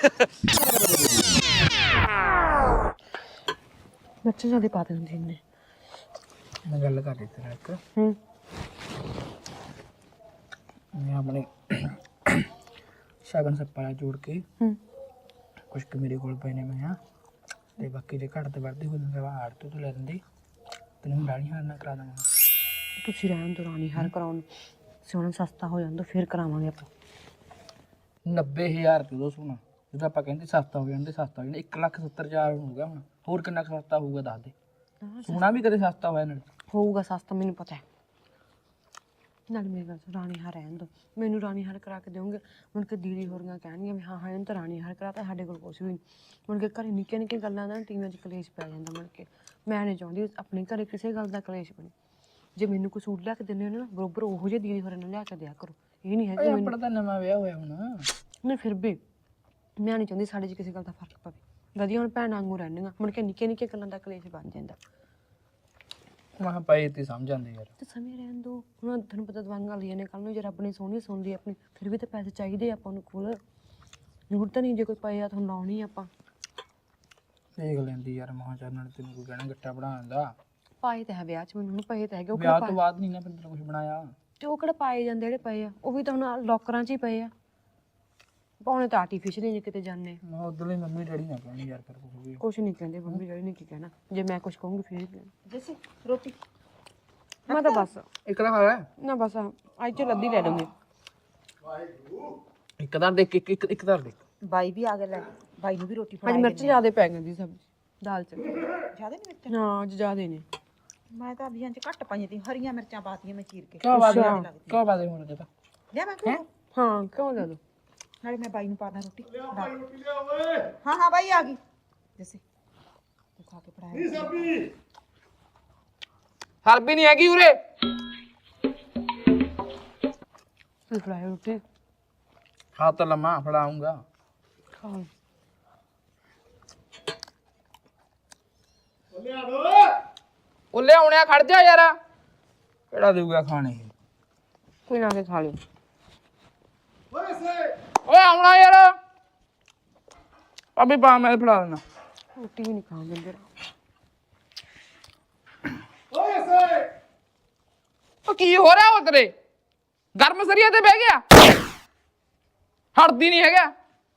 D: ਬੱਚੇ ਜਿਆਦਾ ਪਾ ਦਿੰਦੇ ਨੇ
E: ਮੈਂ ਗੱਲ ਕਰ ਰਹੀ ਤੇਰਾ ਇੱਕ
D: ਹੂੰ
E: ਮੈਂ ਆਪਣੇ ਸ਼ਗਨ ਸੱਪਾ ਜੋੜ ਕੇ
D: ਹੂੰ
E: ਕੁਛ ਕੁ ਮੇਰੇ ਕੋਲ ਪਏ ਨੇ ਮੈਂ ਆ ਤੇ ਬਾਕੀ ਦੇ ਘੱਟ ਤੇ ਵੱਧਦੇ ਹੋ ਜਾਂਦੇ ਵਾ ਆੜ ਤੋਂ ਤੂੰ ਲੈ ਦਿੰਦੀ ਤੈਨੂੰ ਡਾਲੀ ਹਾਰ ਨਾ ਕਰਾ ਦਾਂਗਾ
D: ਤੁਸੀਂ ਰਹਿਣ ਦੋ ਰਾਣੀ ਹਰ ਕਰਾਉਣ ਸੋਨਾ ਸਸਤਾ ਹੋ ਜਾਂਦਾ ਫਿਰ ਕਰਾਵਾਂਗੇ ਆਪਾਂ
E: ਨੱਬੇ ਹਜ਼ਾਰ ਰੁਪਏ ਦੋ ਸੋਨਾ ਜਦੋਂ ਆਪਾਂ ਕਹਿੰਦੇ ਸਸਤਾ ਹੋ ਜਾਂਦੇ ਸਸਤਾ ਹੋ ਜਾਂਦਾ ਇੱਕ ਲੱਖ ਸੱਤਰ ਹਜ਼ਾਰ ਹੋ ਗਿਆ ਹੁਣ ਹੋਰ ਕਿੰਨਾ ਕੁ ਸਸਤਾ ਹੋਊਗਾ ਦੱਸ ਦੇ ਸੋਨਾ ਵੀ ਕਦੇ ਸਸਤਾ ਹੋਇਆ ਨਾਲ
D: ਹੋਊਗਾ ਸਸਤਾ ਮੈਨੂੰ ਪਤਾ ਹੈ ਨਾਲ ਮੇਰੀ ਗੱਲ ਸੁਣ, ਰਾਣੀ ਹਾਰ ਰਹਿਣ ਦੋ ਮੈਨੂੰ ਰਾਣੀ ਹਾਰ ਕਰਾ ਕੇ ਦਿਓਗੇ ਮੁੜ ਕੇ ਦੀਦੀ ਹੋਰੀਆਂ ਕਹਿਣਗੀਆਂ ਵੀ ਹਾਂ ਹਾਂ ਇਹਨੂੰ ਤਾਂ ਰਾਣੀ ਹਾਰ ਕਰਾਤਾ ਸਾਡੇ ਕੋਲ ਕੁਛ ਵੀ ਨਹੀਂ ਮੁੜ ਕੇ ਘਰੇ ਨਿੱਕੀਆਂ ਨਿੱਕੀਆਂ ਗੱਲਾਂ ਦਾ ਟੀਮਾਂ 'ਚ ਕਲੇਸ਼ ਪੈ ਜਾਂਦਾ ਮੁੜ ਕੇ ਮੈਂ ਨਹੀਂ ਚਾਹੁੰਦੀ ਆਪਣੇ ਘਰੇ ਕਿਸੇ ਗੱਲ ਦਾ ਕਲੇਸ਼ ਬਣੇ ਜੇ ਮੈਨੂੰ ਕੋਈ ਸੂਟ ਲਿਆ ਕੇ ਦਿੰਦੇ ਹੋ ਨਾ ਬਰੋਬਰ ਉਹੋ ਜਿਹੇ ਦੀਦੀ ਹੋਰਾਂ ਨੂੰ ਲਿਆ ਕੇ ਦਿਆ ਕਰੋ ਇਹ ਨਹੀਂ ਹੈ ਕਿ
E: ਆਪਣਾ ਤਾਂ ਨਵਾਂ ਵਿਆਹ ਹੋਇਆ ਹੁਣ
D: ਨਹੀਂ ਫਿਰ ਵੀ ਮੈਂ ਨਹੀਂ ਚਾਹੁੰਦੀ ਸਾਡੇ 'ਚ ਕਿਸੇ ਗੱਲ ਦਾ ਫਰਕ ਪਵੇ ਵਧੀਆ ਹੁਣ ਭੈਣਾਂ ਵਾਂਗੂ ਰਹਿੰਦੀਆਂ ਮੁੜ ਕੇ ਨਿੱਕੀਆਂ ਨਿੱਕੀਆਂ ਗੱਲਾਂ ਦਾ ਕਲੇਸ਼ ਬਣ ਜਾਂਦਾ
E: ਮੈਂ ਪਏ ਤੇ ਸਮਝ ਜਾਂਦੇ ਯਾਰ
D: ਤੇ ਸਮੇਂ ਰਹਿਣ ਦੋ ਹੁਣ ਤੁਹਾਨੂੰ ਪਤਾ ਦਵਾਈਆਂ ਲਈਆਂ ਨੇ ਕੱਲ ਨੂੰ ਜੇ ਰੱਬ ਨੇ ਸੋਹਣੀ ਸੁਣ ਲਈ ਆਪਣੀ ਫਿਰ ਵੀ ਤਾਂ ਪੈਸੇ ਚਾਹੀਦੇ ਆ ਆਪਾਂ ਨੂੰ ਕੋਲ ਜ਼ਰੂਰਤ ਨਹੀਂ ਜੇ ਕੋਈ ਪਏ ਆ ਤੁਹਾਨੂੰ ਲਾਉਣੀ ਆਪਾਂ
E: ਦੇਖ ਲੈਂਦੀ ਯਾਰ ਮਹਾਂ ਚਾਰ ਨਾਲ ਤੈਨੂੰ ਕੋਈ ਕਹਿਣਾ ਗੱਟਾ ਬਣਾ ਦਿੰਦਾ
D: ਪਾਏ ਤਾਂ ਹੈ ਵਿਆਹ 'ਚ ਮੈਨੂੰ ਹੁਣ ਪਏ ਤਾਂ ਹੈਗੇ ਉਹ
E: ਵਿਆਹ
D: ਕਿਹੜਾ
E: ਤੋਂ
D: ਪਾਏ
E: ਬਾਅਦ ਨਹੀਂ ਨਾ ਬੰਦੇ ਕੁਝ ਬਣਾਇਆ
D: ਤੇ ਉਹ ਕਿਹੜਾ ਪਾਏ ਜਾਂਦੇ ਜਿਹੜੇ ਪਏ ਆ ਉਹ ਵੀ ਤਾਂ ਹੁਣ ਲੋਕਰਾਂ 'ਚ ਹੀ ਪਏ ਆ ਪਾਉਣੇ ਤਾਂ ਆਰਟੀਫੀਸ਼ੀਅਲ ਹੀ ਜੇ ਕਿਤੇ ਜਾਂਦੇ
E: ਮੈਂ ਉਧਰਲੇ ਮੰਮੀ ਡੈਡੀ ਨਾ ਕਹਿਣੀ ਯਾਰ ਕਰ ਕੁਝ ਵੀ
D: ਕੁਛ ਨਹੀਂ ਕਹਿੰਦੇ ਮੰਮੀ ਜਿਹੜੀ ਨੇ ਕੀ ਕਹਿਣਾ ਜੇ ਮੈਂ ਕੁਛ ਕਹੂੰਗੀ ਫਿਰ ਜੈਸੇ ਰੋਟੀ ਮੈਂ ਤਾਂ ਬਸ
E: ਇੱਕ ਦਾ ਖਾਇਆ
D: ਨਾ ਬਸ ਅੱਜ ਚ ਲੱਦੀ ਲੈ ਲਵਾਂਗੇ
A: ਇੱਕ ਦਰ ਦੇਖ ਇੱਕ ਇੱਕ ਇੱਕ ਦਰ ਦੇਖ
F: ਬਾਈ ਵੀ ਆ ਗਿਆ ਲੈ ਬਾਈ ਨੂੰ ਵੀ ਰੋਟੀ
D: ਅੱਜ
F: ਫੜਾਈ
D: ਮਿਰਚ ਜ਼ਿਆਦੇ ਪੈ ਗਈ ਦੀ ਸਬਜ਼ੀ ਦਾਲ ਚ
F: ਜ਼ਿਆਦਾ ਨਹੀਂ ਮਿਰਚਾਂ
D: ਹਾਂ ਅੱਜ ਜ਼ਿਆਦੇ ਨੇ
F: ਮੈਂ ਤਾਂ ਅਭੀਆਂ ਚ ਘੱਟ ਪਾਈਆਂ ਤੀ ਹਰੀਆਂ ਮਿਰਚਾਂ ਪਾਤੀਆਂ ਮੈਂ ਚੀਰ ਕੇ
E: ਕਿਉਂ ਬਾਦੇ ਕਿਉਂ ਬਾਦੇ ਹੁਣ ਤੇ ਤਾਂ
F: ਲਿਆ ਮੈਂ ਕਿਹਾ
D: ਹਾਂ ਕਿਉਂ ਲੈ ਦੋ
F: ਨਾਲੇ ਮੈਂ ਬਾਈ ਨੂੰ ਪਾਣਾ ਰੋਟੀ ਹਾਂ ਹਾਂ ਬਾਈ ਆ ਗਈ ਜੈਸੇ ਤੂੰ ਖਾ ਕੇ ਪੜਾਇਆ
E: ਹਰਬੀ ਨਹੀਂ ਹੈਗੀ ਉਰੇ
D: ਫਿਰ ਫਰਾਈ ਰੋਟੀ
E: ਖਾ ਤਾਂ ਲਮਾ ਫੜਾਉਂਗਾ
D: ਖਾ
E: ਉਹ ਲਿਆਉਣਿਆ ਖੜ ਜਾ ਯਾਰ ਕਿਹੜਾ ਦੇਊਗਾ ਖਾਣੇ
D: ਕੋਈ ਨਾ ਕੇ ਖਾ ਲਿਓ
E: ਓਏ ਆਉਣਾ ਯਾਰ ਅਬੇ ਪਾ ਮੈਂ ਫੜਾ ਦੇਣਾ
D: ਰੋਟੀ ਵੀ ਨਹੀਂ ਖਾਣ ਦਿੰਦੇ
E: ਉਹ ਕੀ ਹੋ ਰਿਹਾ ਉਹ ਤੇਰੇ ਗਰਮ ਸਰੀਆ ਤੇ ਬਹਿ ਗਿਆ ਹਟਦੀ ਨਹੀਂ ਹੈਗਾ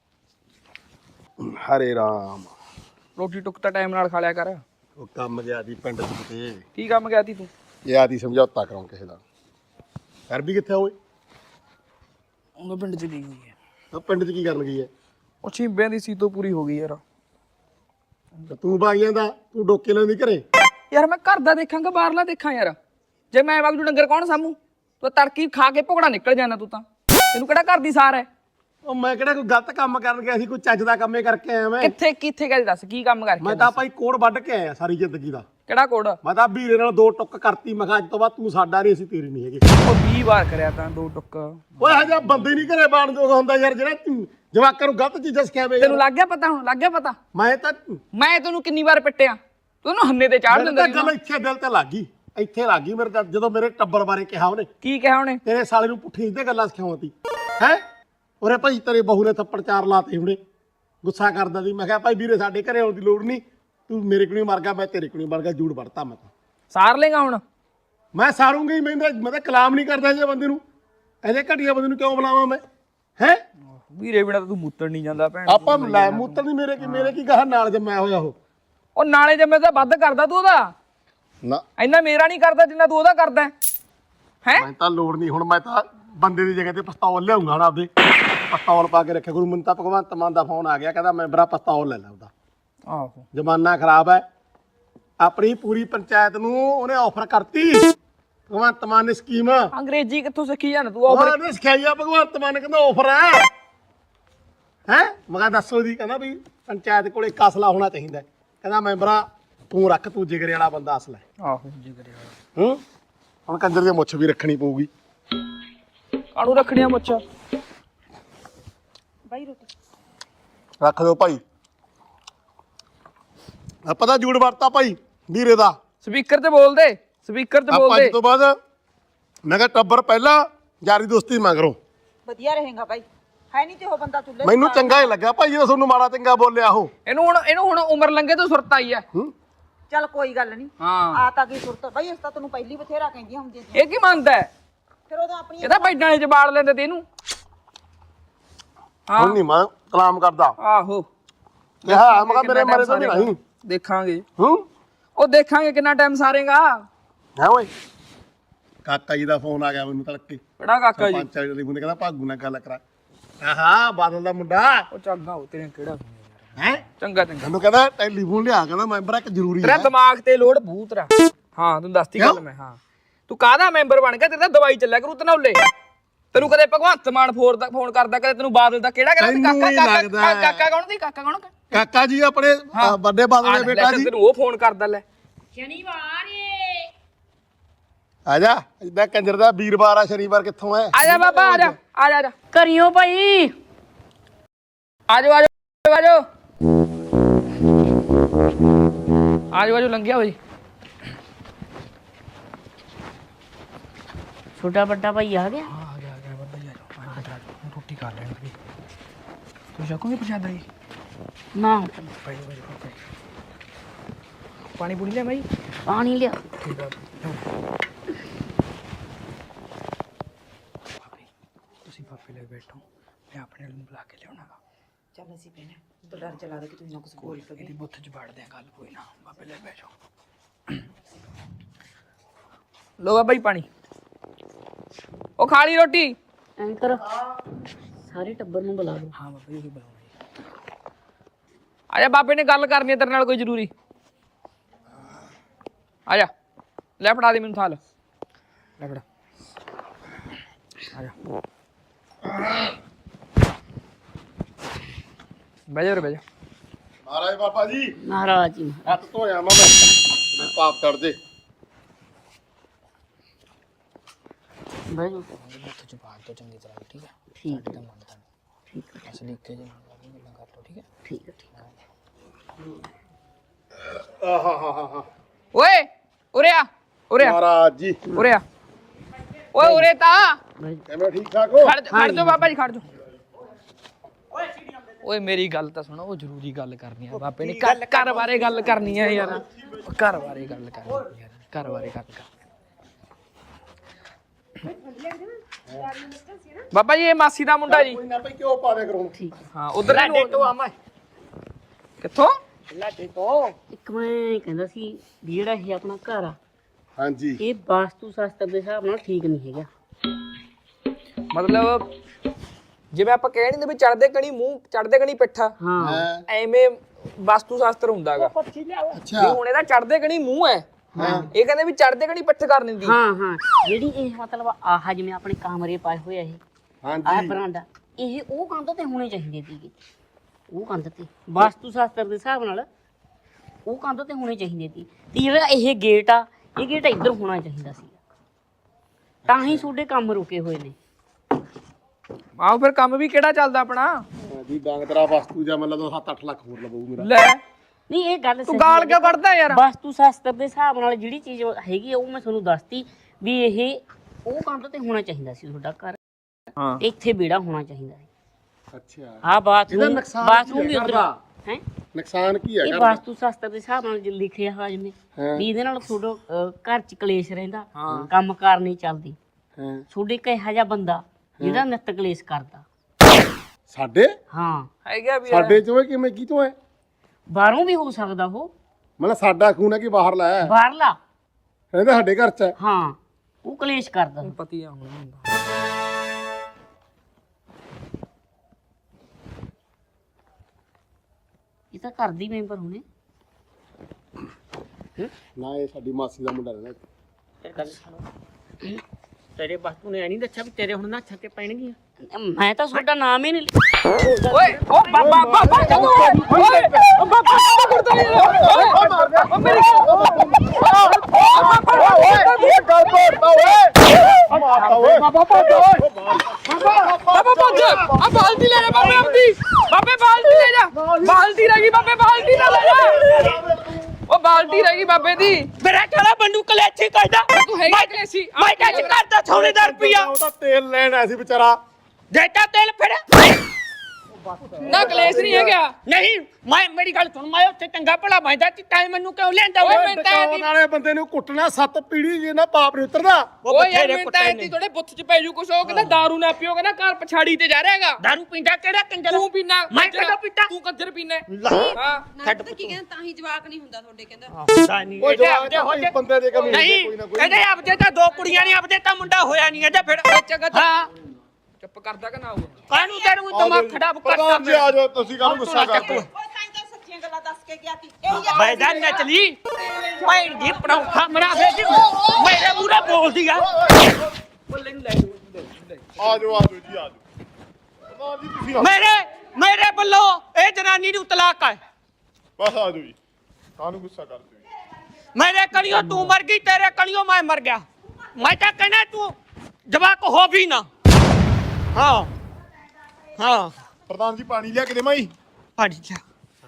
G: ਹਰੇ ਰਾਮ
E: ਰੋਟੀ ਟੁੱਕ ਤਾਂ ਟਾਈਮ ਨਾਲ ਖਾ ਲਿਆ ਕਰ
G: ਉਹ ਕੰਮ ਗਿਆ ਦੀ ਪਿੰਡ ਚ ਕਿਤੇ
E: ਕੀ ਕੰਮ ਗਿਆ ਤੀ ਤੂੰ
G: ਇਹ ਆਦੀ ਸਮਝੌਤਾ ਕਰਾਉਂ ਕਿਸੇ ਦਾ ਘਰ ਵੀ ਕਿੱਥੇ ਓਏ?
E: ਉਹ ਪਿੰਡ ਚ ਗਈ ਹੋਈ ਹੈ।
G: ਆ ਪਿੰਡ 'ਚ ਕੀ ਕਰਨ ਗਈ ਹੈ?
E: ਉਹ ਛਿੰਬਿਆਂ ਦੀ ਸੀਤੋ ਪੂਰੀ ਹੋ ਗਈ ਯਾਰ।
G: ਤੇ ਤੂੰ ਬਾਈਆਂ ਦਾ ਤੂੰ ਡੋਕੇ ਲੈਂਦੀ ਘਰੇ।
E: ਯਾਰ ਮੈਂ ਘਰ ਦਾ ਦੇਖਾਂਗਾ ਬਾਹਰਲਾ ਦੇਖਾਂ ਯਾਰ। ਜੇ ਮੈਂ ਵਗ ਜੂ ਡੰਗਰ ਕੌਣ ਸਾਮੂ? ਤੂੰ ਤੜਕੀ ਖਾ ਕੇ ਭੋਗੜਾ ਨਿਕਲ ਜਾਣਾ ਤੂੰ ਤਾਂ। ਤੈਨੂੰ ਕਿਹੜਾ ਘਰ ਦੀ ਸਾਰ ਹੈ?
G: ਉਹ ਮੈਂ ਕਿਹੜਾ ਕੋਈ ਗਲਤ ਕੰਮ ਕਰਨ ਗਿਆ ਸੀ, ਕੋਈ ਚੱਜ ਦਾ ਕੰਮੇ ਕਰਕੇ ਆਇਆ ਮੈਂ।
E: ਕਿੱਥੇ ਕਿੱਥੇ ਗੱਲ ਦੱਸ ਕੀ ਕੰਮ ਕਰਕੇ?
G: ਮੈਂ ਤਾਂ ਭਾਈ ਕੋੜ ਵੱਢ ਕੇ ਆਇਆ ਸਾਰੀ ਜ਼ਿੰਦਗੀ ਦਾ।
E: ਕਿਹੜਾ ਕੋੜ?
G: ਮੈਂ ਤਾਂ ਵੀਰੇ ਨਾਲ ਦੋ ਟੁੱਕ ਕਰਤੀ, ਮੈਂ ਕਿਹਾ ਅੱਜ ਤੋਂ ਬਾਅਦ ਤੂੰ ਸਾਡਾ ਨਹੀਂ, ਅਸੀਂ ਤੇਰੀ ਨਹੀਂ ਹੈਗੇ।
E: ਉਹ ਵੀਹ ਵਾਰ ਕਰਿਆ ਤਾਂ ਦੋ ਟੁੱਕ।
G: ਓਏ ਹਜੇ ਬੰਦੇ ਨਹੀਂ ਘਰੇ ਬਾਣ ਜੋਗਾ ਹੁੰਦਾ ਯਾਰ, ਜਿਹੜਾ ਤੂੰ ਜਵਾਕਾਂ ਨੂੰ ਗਲਤ ਚੀਜ਼ਾਂ ਸਿਖਾਵੇ।
E: ਤੈਨੂੰ ਲੱਗ ਗਿਆ ਪਤਾ? ਹੁਣ ਲੱਗ ਗਿਆ ਪਤਾ?
G: ਮੈਂ ਤਾਂ
E: ਮੈਂ ਤੈਨੂੰ ਕਿੰਨੀ ਵਾਰ ਪਿੱਟਿਆ? ਤੂੰ ਉਹਨੂੰ ਹੰਨੇ ਤੇ ਚਾੜ
G: ਮੇਰੇ
E: ਦਿੰਦਾ
G: ਤਾਂ ਗੱਲ ਇੱਥੇ ਦਿਲ ਤੇ ਲੱਗ ਗਈ, ਇੱਥੇ ਲੱਗ ਗਈ ਮੇਰੇ ਤਾਂ। ਜਦੋਂ ਮੇਰੇ ਟੱਬਰ ਬਾਰੇ ਕਿਹਾ ਉਹਨੇ,
E: ਕੀ ਕਿਹਾ ਉਹਨੇ?
G: ਤੇਰੇ ਸਾਲੇ ਨੂੰ ਪੁੱਠੀ ਸਿੱਧੇ ਗੱਲਾਂ ਸਿਖਾਉਂਦੀ ਹੈ। ਉਰੇ ਭਾਈ ਤੇਰੇ ਬਹੂ ਨੇ ਥੱਪੜ ਚਾਰ ਲਾਤੇ ਹੁਣੇ, ਗੁੱਸਾ ਕਰਦਾ ਸੀ। ਮੈਂ ਕਿਹਾ ਭਾਈ ਵੀਰੇ ਸਾਡੇ ਘਰੇ ਆਉਣ ਦੀ ਲੋੜ ਨਹੀਂ, ਤੂੰ ਮੇਰੇ ਕੋਲ ਹੀ ਮਰ ਗਿਆ, ਮੈਂ ਤੇਰੇ ਕੋਲ ਹੀ ਮਰ ਗਿਆ, ਜੂੜ ਵੜਤਾ ਮੈਂ ਤਾਂ।
E: ਸਾਰ ਲੇਗਾ ਹੁਣ?
G: ਮੈਂ ਸਾਰੂੰਗਾ ਹੀ। ਮੈਂ ਤਾਂ ਮੈਂ ਤਾਂ ਕਲਾਮ ਨਹੀਂ ਕਰਦਾ ਜੇ ਬੰਦੇ ਨੂੰ, ਇਹਦੇ ਘਟੀਆ ਬੰਦੇ ਨੂੰ ਕਿਉਂ ਬੁਲਾਵਾਂ ਮੈਂ ਹੈ?
E: ਵੀਰੇ ਬਿਨਾ ਤਾਂ ਤੂੰ ਮੂਤਰ ਨਹੀਂ ਜਾਂਦਾ ਭੈਣ।
G: ਆਪਾਂ ਲੈ ਮੂਤਰ ਨਹੀਂ ਮੇਰੇ ਕੀ ਮੇਰੇ ਕੀ ਗਾਹ ਨਾਲ ਜੰਮਿਆ ਹੋਇਆ ਉਹ।
E: ਉਹ ਨਾਲੇ ਜੰਮੇ ਤਾਂ ਵੱਧ ਕਰਦਾ ਤੂੰ ਉਹਦਾ।
G: ਨਾ
E: ਇੰਨਾ ਮੇਰਾ ਨਹੀਂ ਕਰਦਾ ਜਿੰਨਾ ਤੂੰ ਉਹਦਾ ਕਰਦਾ ਹੈ।
G: ਮੈਂ ਤਾਂ ਲੋੜ ਨਹੀਂ। ਹੁਣ ਮੈਂ ਤਾਂ ਬੰਦੇ ਦੀ ਜਗ੍ਹਾ ਤੇ ਪਿਸਤੌਲ ਲਿਆਉਂਗਾ ਹੁਣ ਆਪਦੇ, ਪਿਸਤੌਲ ਪਾ ਕੇ ਰੱਖਿਆ ਗੁਰੂ। ਮੈਨੂੰ ਤਾਂ ਭਗਵੰਤ ਮਾਨ ਦਾ ਫੋਨ ਆ ਗਿਆ, ਕਹਿੰਦਾ ਮੈਂਬਰਾ ਪਿਸਤੌਲ ਲੈ ਲੈ ਉਹਦਾ।
E: ਆਹੋ
G: ਜ਼ਮਾਨਾ ਖਰਾਬ ਹੈ। ਆਪਣੀ ਪੂਰੀ ਪੰਚਾਇਤ ਨੂੰ ਉਹਨੇ ਆਫਰ ਕਰਤੀ ਭਗਵੰਤ ਮਾਨ ਨੇ ਸਕੀਮ।
E: ਅੰਗਰੇਜ਼ੀ ਕਿੱਥੋਂ ਸਿੱਖੀ ਜਾਂਦਾ ਤੂੰ?
G: ਉਹ ਨੇ ਸਿਖਾਈ ਆ ਭਗਵੰਤ ਮਾਨ, ਕਹਿੰਦਾ ਆਫਰ ਹੈ ਹੈ। ਮੈਂ ਕਿਹਾ ਦੱਸੋ ਜੀ, ਕਹਿੰਦਾ ਵੀ ਪੰਚਾਇਤ ਕੋਲ ਇੱਕ ਅਸਲਾ ਹੋਣਾ ਚਾਹੀਦਾ। ਕਹਿੰਦਾ ਮੈਂਬਰਾ ਤੂੰ ਰੱਖ, ਤੂੰ ਜਿਗਰੇ ਵਾਲਾ ਬੰਦਾ ਅਸਲਾ ਹੈ।
E: ਆਹੋ ਜਿਗਰੇ
G: ਹੂੰ ਹੁਣ ਕੰਜਰ ਦੀ ਮੁੱਛ ਵੀ ਰੱਖਣੀ ਪਊਗੀ।
E: ਕਾਹਨੂੰ ਰੱਖਣੀਆਂ ਮੁੱਛਾਂ?
F: ਬਾਈ ਰੋਟੀ
G: ਰੱਖ ਦਿਓ ਭਾਈ। ਆਪਾਂ ਤਾਂ ਜੂੜ ਵਰਤਾ ਭਾਈ ਵੀਰੇ ਦਾ।
E: ਸਪੀਕਰ ਤੇ ਬੋਲ ਦੇ, ਸਪੀਕਰ ਤੇ ਬੋਲ
G: ਆਪਾਂ
E: ਦੇ।
G: ਅੱਜ ਤੋਂ ਬਾਅਦ ਮੈਂ ਕਿਹਾ ਟੱਬਰ ਪਹਿਲਾਂ, ਯਾਰੀ ਦੋਸਤੀ ਮਗਰੋਂ।
F: ਵਧੀਆ ਰਹੇਗਾ ਬਾਈ, ਹੈ ਨਹੀਂ ਤੇ ਉਹ ਬੰਦਾ ਚੁੱਲ੍ਹੇ
G: ਮੈਨੂੰ ਚੰਗਾ ਹੀ ਲੱਗਾ ਭਾਈ ਜਦੋਂ ਤੁਹਾਨੂੰ ਮਾੜਾ ਚੰਗਾ ਬੋਲਿਆ ਉਹ।
E: ਇਹਨੂੰ ਹੁਣ ਇਹਨੂੰ ਹੁਣ ਉਮਰ ਲੰਘੇ ਤੋਂ ਸੁਰਤ ਆਈ ਹੈ।
F: ਚੱਲ ਕੋਈ ਗੱਲ ਨਹੀਂ,
E: ਹਾਂ
F: ਆ ਤਾਂ ਕੀ ਸੁਰਤ ਬਾਈ, ਇਸ ਤਾਂ ਤੈਨੂੰ ਪਹਿਲੀ ਬਥੇਰਾ ਕਹਿੰਦੀਆਂ ਹੁੰਦੀਆਂ ਸੀ।
E: ਇਹ ਕੀ ਮੰਨਦਾ ਹੈ?
F: ਫਿਰ ਉਦੋਂ ਆਪਣੀ
E: ਇਹਦਾ ਬੈਡਾਂ ਵਾਲੇ ਚ ਬਾੜ ਲੈਂਦੇ ਤੇ ਇਹਨੂੰ।
G: ਹੁਣ ਨਹੀਂ ਮੈਂ ਕਲਾਮ ਕਰਦਾ।
E: ਆਹੋ
G: ਕਿਹਾ ਮੈਂ ਕਿਹਾ ਮੇਰੇ ਮਰੇ ਤਾਂ ਨਹੀਂ।
E: ਦੇਖਾਂਗੇ।
G: ਹੂੰ
E: ਉਹ ਦੇਖਾਂਗੇ ਕਿੰਨਾ ਟਾਈਮ ਸਾਰੇਗਾ।
G: ਹੈ ਓਏ ਕਾਕਾ ਜੀ ਦਾ ਫੋਨ ਆ ਗਿਆ ਮੈਨੂੰ ਤੜਕੇ।
E: ਕਿਹੜਾ ਕਾਕਾ ਜੀ?
G: ਪੰਜ ਵਾਲੀ ਬੰਦੇ ਕਹਿੰਦਾ ਭਾਗੂ ਨਾਲ ਗੱਲ ਕਰਾ। ਆਹਾ ਬਾਦਲ ਦਾ ਮੁੰਡਾ।
E: ਉਹ ਚੰਗਾ ਹੋ ਤੇਰੇ ਕਿਹੜਾ
G: ਹੈ
E: ਚੰਗਾ ਚੰਗਾ।
G: ਮੈਨੂੰ ਕਹਿੰਦਾ ਟੈਲੀਫੋਨ ਲਿਆ, ਕਹਿੰਦਾ ਮੈਂਬਰ ਇੱਕ ਜ਼ਰੂਰੀ
E: ਤੇਰਾ
G: ਹੈ।
E: ਦਿਮਾਗ ਤੇ ਲੋਡ ਬੂਤਰਾ। ਹਾਂ ਤੈਨੂੰ ਦੱਸਤੀ ਗੱਲ ਮੈਂ। ਹਾਂ ਤੂੰ ਕਾਹਦਾ ਮੈਂਬਰ ਬਣ ਗਿਆ? ਤੇਰੇ ਤਾਂ ਦਵਾਈ ਚੱਲਿਆ ਕਰੂ ਤਨੌਲੇ। ਤੈਨੂੰ ਕਦੇ ਭਗਵੰਤ ਮਾਨ ਫੋਰ ਦਾ ਫੋਨ ਕਰਦਾ, ਕਦੇ ਤੈਨੂੰ ਬਾਦਲ ਦਾ। ਕਿਹੜਾ ਕਹਿੰਦਾ
G: ਤੈਨੂੰ ਹੀ
E: ਕਾਕਾ?
G: ਲੱਗਦਾ
E: ਕਾਕਾ
G: ਹੈ।
E: ਕਾਕਾ ਕੌਣ ਦੀ? ਕਾਕਾ ਕੌਣ?
G: ਕਾਕਾ ਜੀ ਆਪਣੇ ਅ, ਵੱਡੇ ਬਾਦਲ ਦੇ ਬੇਟਾ ਜੀ।
E: ਤੈਨੂੰ ਉਹ ਫੋਨ ਕਰਦਾ ਲੈ।
G: ਆ ਜਾ, ਇਦਾਂ ਕੰਜਰ ਦਾ ਵੀਰਵਾਰ ਆ, ਸ਼ਨੀਵਾਰ ਕਿੱਥੋਂ ਹੈ?
E: ਆ ਜਾ ਬਾਬਾ, ਆ ਜਾ ਆ ਜਾ, ਆ ਜਾ।
D: ਕਰਿਓ ਭਾਈ।
E: ਆਜੋ ਆਜੋ ਆਜੋ ਆਜੋ ਆਜੋ ਲੰਘਿਆ ਹੋਈ।
D: ਛੋਟਾ ਵੱਡਾ ਭਾਈ ਆ ਗਿਆ।
E: ਆ ਗਿਆ ਆ ਗਿਆ ਬਾਬਾ ਜੀ। ਆਜੋ ਰੋਟੀ ਖਾ ਲੈਣਗੇ। ਤੂੰ ਛਕੋਗੇ ਪ੍ਰਸ਼ਾਦਾ ਜੀ?
D: ਨਾ
E: ਭਾਈ ਭਾਈ ਪਾਣੀ ਪੂਣੀ ਲੈ ਭਾਈ।
D: ਪਾਣੀ ਲਿਆ।
E: ਠੀਕ ਆ ਤੁਸੀਂ ਪਾਪੇ ਲੈ ਬੈਠੋ, ਮੈਂ ਆਪਣੇ ਨੂੰ ਬੁਲਾ ਕੇ ਲਿਆਉਣਾ ਗਾ।
F: ਚੱਲ ਅਸੀਂ ਪੈਣਾ ਤੂੰ ਡਰ ਚਲਾ ਦੇ ਕਿ ਤੂੰ ਨਾ ਕੁਝ ਬੋਲ ਪਵੇ।
E: ਇਹਦੀ ਬੁੱਥ ਚ ਵੜਦੇ ਆ ਗੱਲ, ਕੋਈ ਨਾ। ਬਾਬੇ ਲੈ ਬੈਠੋ। ਲੋ ਬਾਬਾ ਜੀ ਪਾਣੀ। ਉਹ ਖਾ ਲਈ ਰੋਟੀ?
D: ਐਂ ਕਰ ਸਾਰੇ ਟੱਬਰ ਨੂੰ ਬੁਲਾ ਲਓ।
E: ਹਾਂ ਬਾਬਾ ਜੀ ਬੁਲਾਉਣਾ ਜੀ। ਆ ਜਾ, ਬਾਬੇ ਨੇ ਗੱਲ ਕਰਨੀ ਹੈ ਤੇਰੇ ਨਾਲ ਕੋਈ ਜ਼ਰੂਰੀ। ਆ ਜਾ, ਲੈ ਫੜਾ ਦੇ ਮੈਨੂੰ ਥਾਲ। ਲੈ ਫੜਾ। ਆ ਜਾ ਬਹਿ ਜਾ ਰੇ ਬਹਿ ਜਾ।
G: ਮਹਾਰਾਜ ਬਾਬਾ ਜੀ।
D: ਮਹਾਰਾਜ ਜੀ
G: ਹੱਥ ਧੋਇਆ ਮੈਂ, ਮੈਂ ਪਾਪ ਕਰ ਦੇ।
D: ਬਹਿ ਜਾਓ।
E: ਹੱਥ ਚ ਬਾੜ ਤੋਂ ਚੰਗੀ ਤਰ੍ਹਾਂ, ਠੀਕ ਹੈ?
D: ਠੀਕ
E: ਹੈ ਮੰਨਦਾ
D: ਠੀਕ ਹੈ
E: ਅਸਲੀ ਕੇ ਜੇ ਨਾਲ ਗੱਲਾਂ ਕਰ ਲਓ, ਠੀਕ ਹੈ?
D: ਠੀਕ ਹੈ ਠੀਕ ਹੈ।
G: ਆਹਾ ਹਾ ਹਾ ਹਾ।
E: ਓਏ ਉਰੇ ਆ, ਉਰੇ ਆ,
G: ਮਹਾਰਾਜ ਜੀ
E: ਉਰੇ ਆ। ਓਏ ਉਰੇ ਤਾਂ
G: ਕਿਵੇਂ ਠੀਕ ਠਾਕ ਹੋ?
E: ਖੜ ਖੜ ਜਾ ਬਾਬਾ ਜੀ, ਖੜ ਜਾ। ਓਏ ਮੇਰੀ ਗੱਲ ਤਾਂ ਸੁਣੋ, ਉਹ ਜ਼ਰੂਰੀ ਗੱਲ ਕਰਨੀ ਆ ਬਾਬੇ ਨੇ। ਘਰ ਘਰ ਬਾਰੇ ਗੱਲ ਕਰਨੀ ਆ ਯਾਰ, ਘਰ ਬਾਰੇ ਗੱਲ ਕਰਨੀ ਆ ਯਾਰ, ਘਰ ਬਾਰੇ ਗੱਲ ਕਰਨੀ। ਬਾਬਾ ਜੀ ਇਹ ਮਾਸੀ ਦਾ ਮੁੰਡਾ ਜੀ।
G: ਕੋਈ ਨਾ ਭਾਈ ਕਿਉਂ ਪਾ ਦੇ ਕਰੋ।
D: ਠੀਕ
E: ਹਾਂ ਉਧਰ ਕਿੱਥੋਂ?
B: ਲਾਡੇ ਤੋਂ
D: ਇੱਕ ਮੈਂ ਕਹਿੰਦਾ ਸੀ ਵੀ ਜਿਹੜਾ ਇਹ ਆਪਣਾ ਘਰ ਆ,
G: ਹਾਂਜੀ
D: ਇਹ ਵਾਸਤੂ ਸ਼ਾਸਤਰ ਦੇ ਹਿਸਾਬ ਨਾਲ ਠੀਕ ਨਹੀਂ ਹੈਗਾ।
E: ਮਤਲਬ ਜਿਵੇਂ ਆਪਾਂ ਕਹਿ ਨਹੀਂ ਦੇ ਵੀ ਚੜਦੇ ਕਣੀ ਮੂੰਹ ਚੜਦੇ ਕਣੀ ਪਿੱਠਾ
G: ਹਾਂ
E: ਐਵੇਂ ਵਾਸਤੂ ਸ਼ਾਸਤਰ ਹੁੰਦਾਗਾ
G: ਅੱਛਾ
E: ਵੀ ਹੁਣ ਇਹਦਾ ਚੜਦੇ ਕਣੀ ਮੂੰਹ ਹੈ ਇਹ ਕਹਿੰਦੇ ਵੀ ਚੜਦੇ ਕਣੀ ਪਿੱਠ ਕਰ ਦਿੰਦੀ
H: ਹਾਂ ਹਾਂ ਜਿਹੜੀ ਇਹ ਮਤਲਬ ਆਹ ਜਿਵੇਂ ਆਪਣੇ ਕਮਰੇ ਪਾਏ ਹੋਏ ਆ ਇਹ ਆਹ
G: ਹਾਂਜੀ
H: ਬਰਾਂਡਾ ਇਹ ਉਹ ਕੰਧ ਤੇ ਹੋਣੇ ਚਾਹੀਦੇ ਸੀਗੇ ਉਹ ਕੰਧ ਤੇ ਵਾਸਤੂ ਸ਼ਾਸਤਰ ਦੇ ਹਿਸਾਬ ਨਾਲ ਉਹ ਕੰਧ ਤੇ ਹੋਣੇ ਚਾਹੀਦੇ ਸੀ ਤੇ ਜਿਹੜਾ ਇਹ ਗੇਟ ਆ ਇਹ ਗੇਟ ਇੱਧਰ ਹੋਣਾ ਚਾਹੀਦਾ ਸੀ ਤਾਂ ਹੀ ਤੁਹਾਡੇ ਕੰਮ ਰੁਕੇ ਹੋਏ ਨੇ
E: ਆਓ ਫਿਰ ਕੰਮ ਵੀ ਕਿਹੜਾ ਚੱਲਦਾ ਆਪਣਾ
G: ਜੀ ਡਾਂਗ ਤੇਰਾ ਵਸਤੂ ਜਾਂ ਮਤਲਬ ਸੱਤ ਅੱਠ ਲੱਖ ਹੋਰ ਲਵਾਉ ਮੇਰਾ
E: ਲੈ
H: ਨਹੀਂ ਇਹ ਗੱਲ
E: ਤੂੰ ਗਾਲ ਕਿਉਂ ਕੱਢਦਾ ਯਾਰ
H: ਵਾਸਤੂ ਸ਼ਾਸਤਰ ਦੇ ਹਿਸਾਬ ਨਾਲ ਜਿਹੜੀ ਚੀਜ਼ ਹੈਗੀ ਆ ਉਹ ਮੈਂ ਤੁਹਾਨੂੰ ਦੱਸਤੀ ਵੀ ਇਹ ਉਹ ਕੰਧ ਤੇ ਹੋਣਾ ਚਾਹੀਦਾ ਸੀ ਤੁਹਾਡਾ ਘਰ
E: ਹਾਂ
H: ਇੱਥੇ ਵਿਹੜਾ ਹੋਣਾ ਚਾਹੀਦਾ ਸੀ
G: ਅੱਛਾ
H: ਆਹ ਬਾਥਰੂਮ
G: ਨੁਕਸਾਨ
H: ਬਾਥਰੂਮ
G: ਕੀ
H: ਵੀ
G: ਹੈ
H: ਉਧਰ
G: ਘਰ
H: ਹੈ
G: ਨੁਕਸਾਨ ਕੀ ਹੈ
H: ਇਹ
G: ਘਰ
H: ਵਾਸਤੂ ਸ਼ਾਸਤਰ ਦੇ ਹਿਸਾਬ ਨਾਲ ਜੇ ਲਿਖਿਆ ਹੋਇਆ ਜਿਵੇਂ
G: ਹਾਂ।
H: ਵੀ ਇਹਦੇ ਨਾਲ ਤੁਹਾਡਾ ਅਹ, ਘਰ ਚ ਕਲੇਸ਼ ਰਹਿੰਦਾ ਕੰਮ ਕਾਰ ਨਹੀਂ ਚੱਲਦੀ
G: ਹਾਂ
H: ਤੁਹਾਡੇ ਇੱਕ ਇਹੋ ਜਿਹਾ ਬੰਦਾ ਜਿਹੜਾ ਨਿੱਤ ਕਲੇਸ਼ ਕਰਦਾ
G: ਸਾਡੇ
H: ਹਾਂ
E: ਹੈਗਾ ਵੀ
G: ਸਾਡੇ ਚੋਂ ਇਹ ਕਿਵੇਂ ਕੀ ਤੋਂ ਹੈ
H: ਬਾਹਰੋਂ ਵੀ ਹੋ ਸਕਦਾ ਉਹ
G: ਮਤਲਬ ਸਾਡਾ ਖੂਨ ਹੈ ਕਿ ਬਾਹਰ ਲਾਇਆ ਹੈ
H: ਬਾਹਰਲਾ
G: ਕਹਿੰਦੇ ਸਾਡੇ ਘਰ ਚ ਹੈ
H: ਹਾਂ ਉਹ ਕਲੇਸ਼ ਕਰਦਾ
E: ਪਤੀ ਆ ਹੁਣ
H: ਇਹ ਤਾਂ ਘਰ ਦੀ ਮੈਂਬਰ ਹੋਣੇ
G: ਨਾ ਇਹ ਸਾਡੀ ਮਾਸੀ ਦਾ ਮੁੰਡਾ ਰਹਿੰਦਾ
B: ਤੇ ਗੱਲ ਸੁਣੋ ਤੇਰੇ ਬਾਪੂ ਨੇ ਨਹੀਂ ਦੱਸਿਆ ਵੀ ਤੇਰੇ ਹੁਣ ਨਾ ਛੱਕੇ ਪੈਣਗੀਆਂ
H: ਮੈਂ ਤਾਂ ਤੁਹਾਡਾ ਨਾਮ ਹੀ ਨਹੀਂ ਲਿ-
E: ਓਏ ਓ ਬਾਬਾ ਬਾਬਾ ਜਦੋਂ ਓਏ ਓ ਬਾਬਾ ਬਾਬਾ ਕਰਦਾ ਯਾਰ ਓਏ ਓ ਮੇਰੀ ਬਾਬਾ ਭੱਜ ਆ ਬਾਲਟੀ ਲੈ ਜਾ ਬਾਬੇ ਆਪਦੀ ਬਾਬੇ ਬਾਲਟੀ ਲੈ ਜਾ ਬਾਲਟੀ ਰਹਿ ਗਈ ਬਾਬੇ ਬਾਲਟੀ ਨਾ ਲੈ ਜਾ ਉਹ ਬਾਲਟੀ ਰਹਿ ਗਈ ਬਾਬੇ ਦੀ
B: ਮੇਰਾ ਕਿਹੜਾ ਬੰਦੂ ਕਲੇਚੀ ਕਰਦਾ
E: ਤੂੰ ਹੈਗੀ ਕਲੇਸੀ
B: ਮੈਂ ਕੱਚ ਕਰਦਾ ਸੌਣੇਦਾਰ ਰੁਪਿਆ
G: ਉਹ ਤਾਂ ਤੇਲ ਲੈਣ ਆਇਆ ਸੀ ਵਿਚਾਰਾ
B: ਦੇਤਾ ਤੇਲ ਫਿਰ
E: ਨਾ ਕਲੇਸ਼ ਨਹੀਂ ਹੈਗਾ
B: ਨਹੀਂ ਮੈਂ ਮੇਰੀ ਗੱਲ ਸੁਣ ਮੈਂ ਉੱਥੇ ਚੰਗਾ ਭਲਾ ਬੈਠਾ ਸੀ ਤਾਂ ਮੈਨੂੰ ਕਿਉਂ ਲੈਂਦਾ
E: ਓਏ
B: ਓਏ
E: ਮੈਂ ਤਾਂ
G: ਬਚਾਉਣ ਵਾਲੇ ਬੰਦੇ ਨੂੰ ਕੁੱਟਣਾ ਸੱਤ ਪੀੜੀ ਜੇ ਨਾ ਪਾਪ ਨਹੀਂ ਉਤਰਦਾ
E: ਓਏ ਯਾਰ ਮੈਂ ਤਾਂ ਐਤੀ ਥੋੜੇ ਬੁੱਤ ਚ ਪੈ ਜੂ ਕੁਛ ਉਹ ਕਹਿੰਦਾ ਦਾਰੂ ਨਾ ਪੀਓ ਕਹਿੰਦਾ ਘਰ ਪਛਾੜੀ ਤੇ ਜਾ ਰਿਹਾ ਹੈਗਾ
B: ਦਾਰੂ ਪੀਂਦਾ ਕਿਹੜਾ ਕੰਜਰ
E: ਤੂੰ ਪੀਣਾ
B: ਮੈਂ ਕਦੋਂ ਪੀਤਾ
E: ਤੂੰ ਕੰਜਰ ਪੀਣਾ ਹਾਂ
B: ਛੱਡ
D: ਕੀ ਕਹਿੰਦਾ ਤਾਂ ਹੀ ਜਵਾਕ ਨਹੀਂ ਹੁੰਦਾ ਤੁਹਾਡੇ ਕਹਿੰਦਾ
G: ਉਹ
B: ਇਹਦੇ
G: ਜਵਾਕ
B: ਆਪਦੇ
G: ਤਾਂ
B: ਹੋਏ
G: ਬੰਦੇ ਦੇ ਕਮੀ
B: ਨਹੀਂ
G: ਕੋਈ ਨਾ ਕੋਈ
B: ਇਹਦੇ ਆਪਦੇ ਤਾਂ ਦੋ ਕੁੜੀਆਂ ਨੇ ਆਪਦੇ ਤਾਂ ਮੁੰਡਾ ਹੋਇਆ ਨਹੀਂ ਇਹਦੇ ਫਿਰ
E: ਚੰਗਾ
B: ਹਾਂ
E: ਚੁੱਪ ਕਰਦਾ ਕਿ ਨਾ ਹੋਊ
B: ਕਾਹਨੂੰ ਤੈਨੂੰ ਦਿਮਾਗ ਖਰਾਬ ਕਰਤਾ
C: ਪ੍ਰਧਾਨ ਜੀ ਆ ਜਾਓ ਤੁਸੀਂ ਕਾਹਨੂੰ ਗੁੱਸਾ ਕਰਦੇ
F: ਓਏ ਤਾਂ ਤਾਂ ਸੱਚੀਆਂ ਗੱਲਾਂ ਦੱਸ ਕੇ ਗਿਆ ਸੀ ਇਹ
B: ਬੈਦਾਨ ਨਚਲੀ ਮੈਂ ਜੀ ਪਰੌਂਠਾ ਮਰਾ ਦੇ ਮੇਰੇ ਮੂਰੇ ਬੋਲਦੀ ਆ
E: ਬੱਲੇ ਨੂੰ ਲੈ ਜਾਓ
C: ਆ ਜਾਓ ਆ ਜਾਓ ਜੀ ਆ ਜਾਓ ਪ੍ਰਧਾਨ ਜੀ ਤੁਸੀਂ ਆ-
B: ਮੇਰੇ ਮੇਰੇ ਵੱਲੋਂ ਇਹ ਜਨਾਨੀ ਨੂੰ ਤਲਾਕ ਹੈ
C: ਬਸ ਆ ਜਾਓ ਜੀ ਕਾਹਨੂੰ ਗੁੱਸਾ ਕਰਦੇ ਹੋ
B: ਮੇਰੇ ਕਣੀਓ ਤੂੰ ਮਰ ਗਈ ਤੇਰੇ ਕਣੀਓ ਮੈਂ ਮਰ ਗਿਆ ਮੈਂ ਤਾਂ ਕਹਿਣਾ ਤੂੰ ਜਵਾਕ ਹੋ ਵੀ ਨਾ ਹਾਂ ਹਾਂ
C: ਪ੍ਰਧਾਨ ਜੀ ਪਾਣੀ ਲਿਆ ਕੇ ਦੇਵਾਂ ਜੀ
B: ਪਾਣੀ ਲਿਆ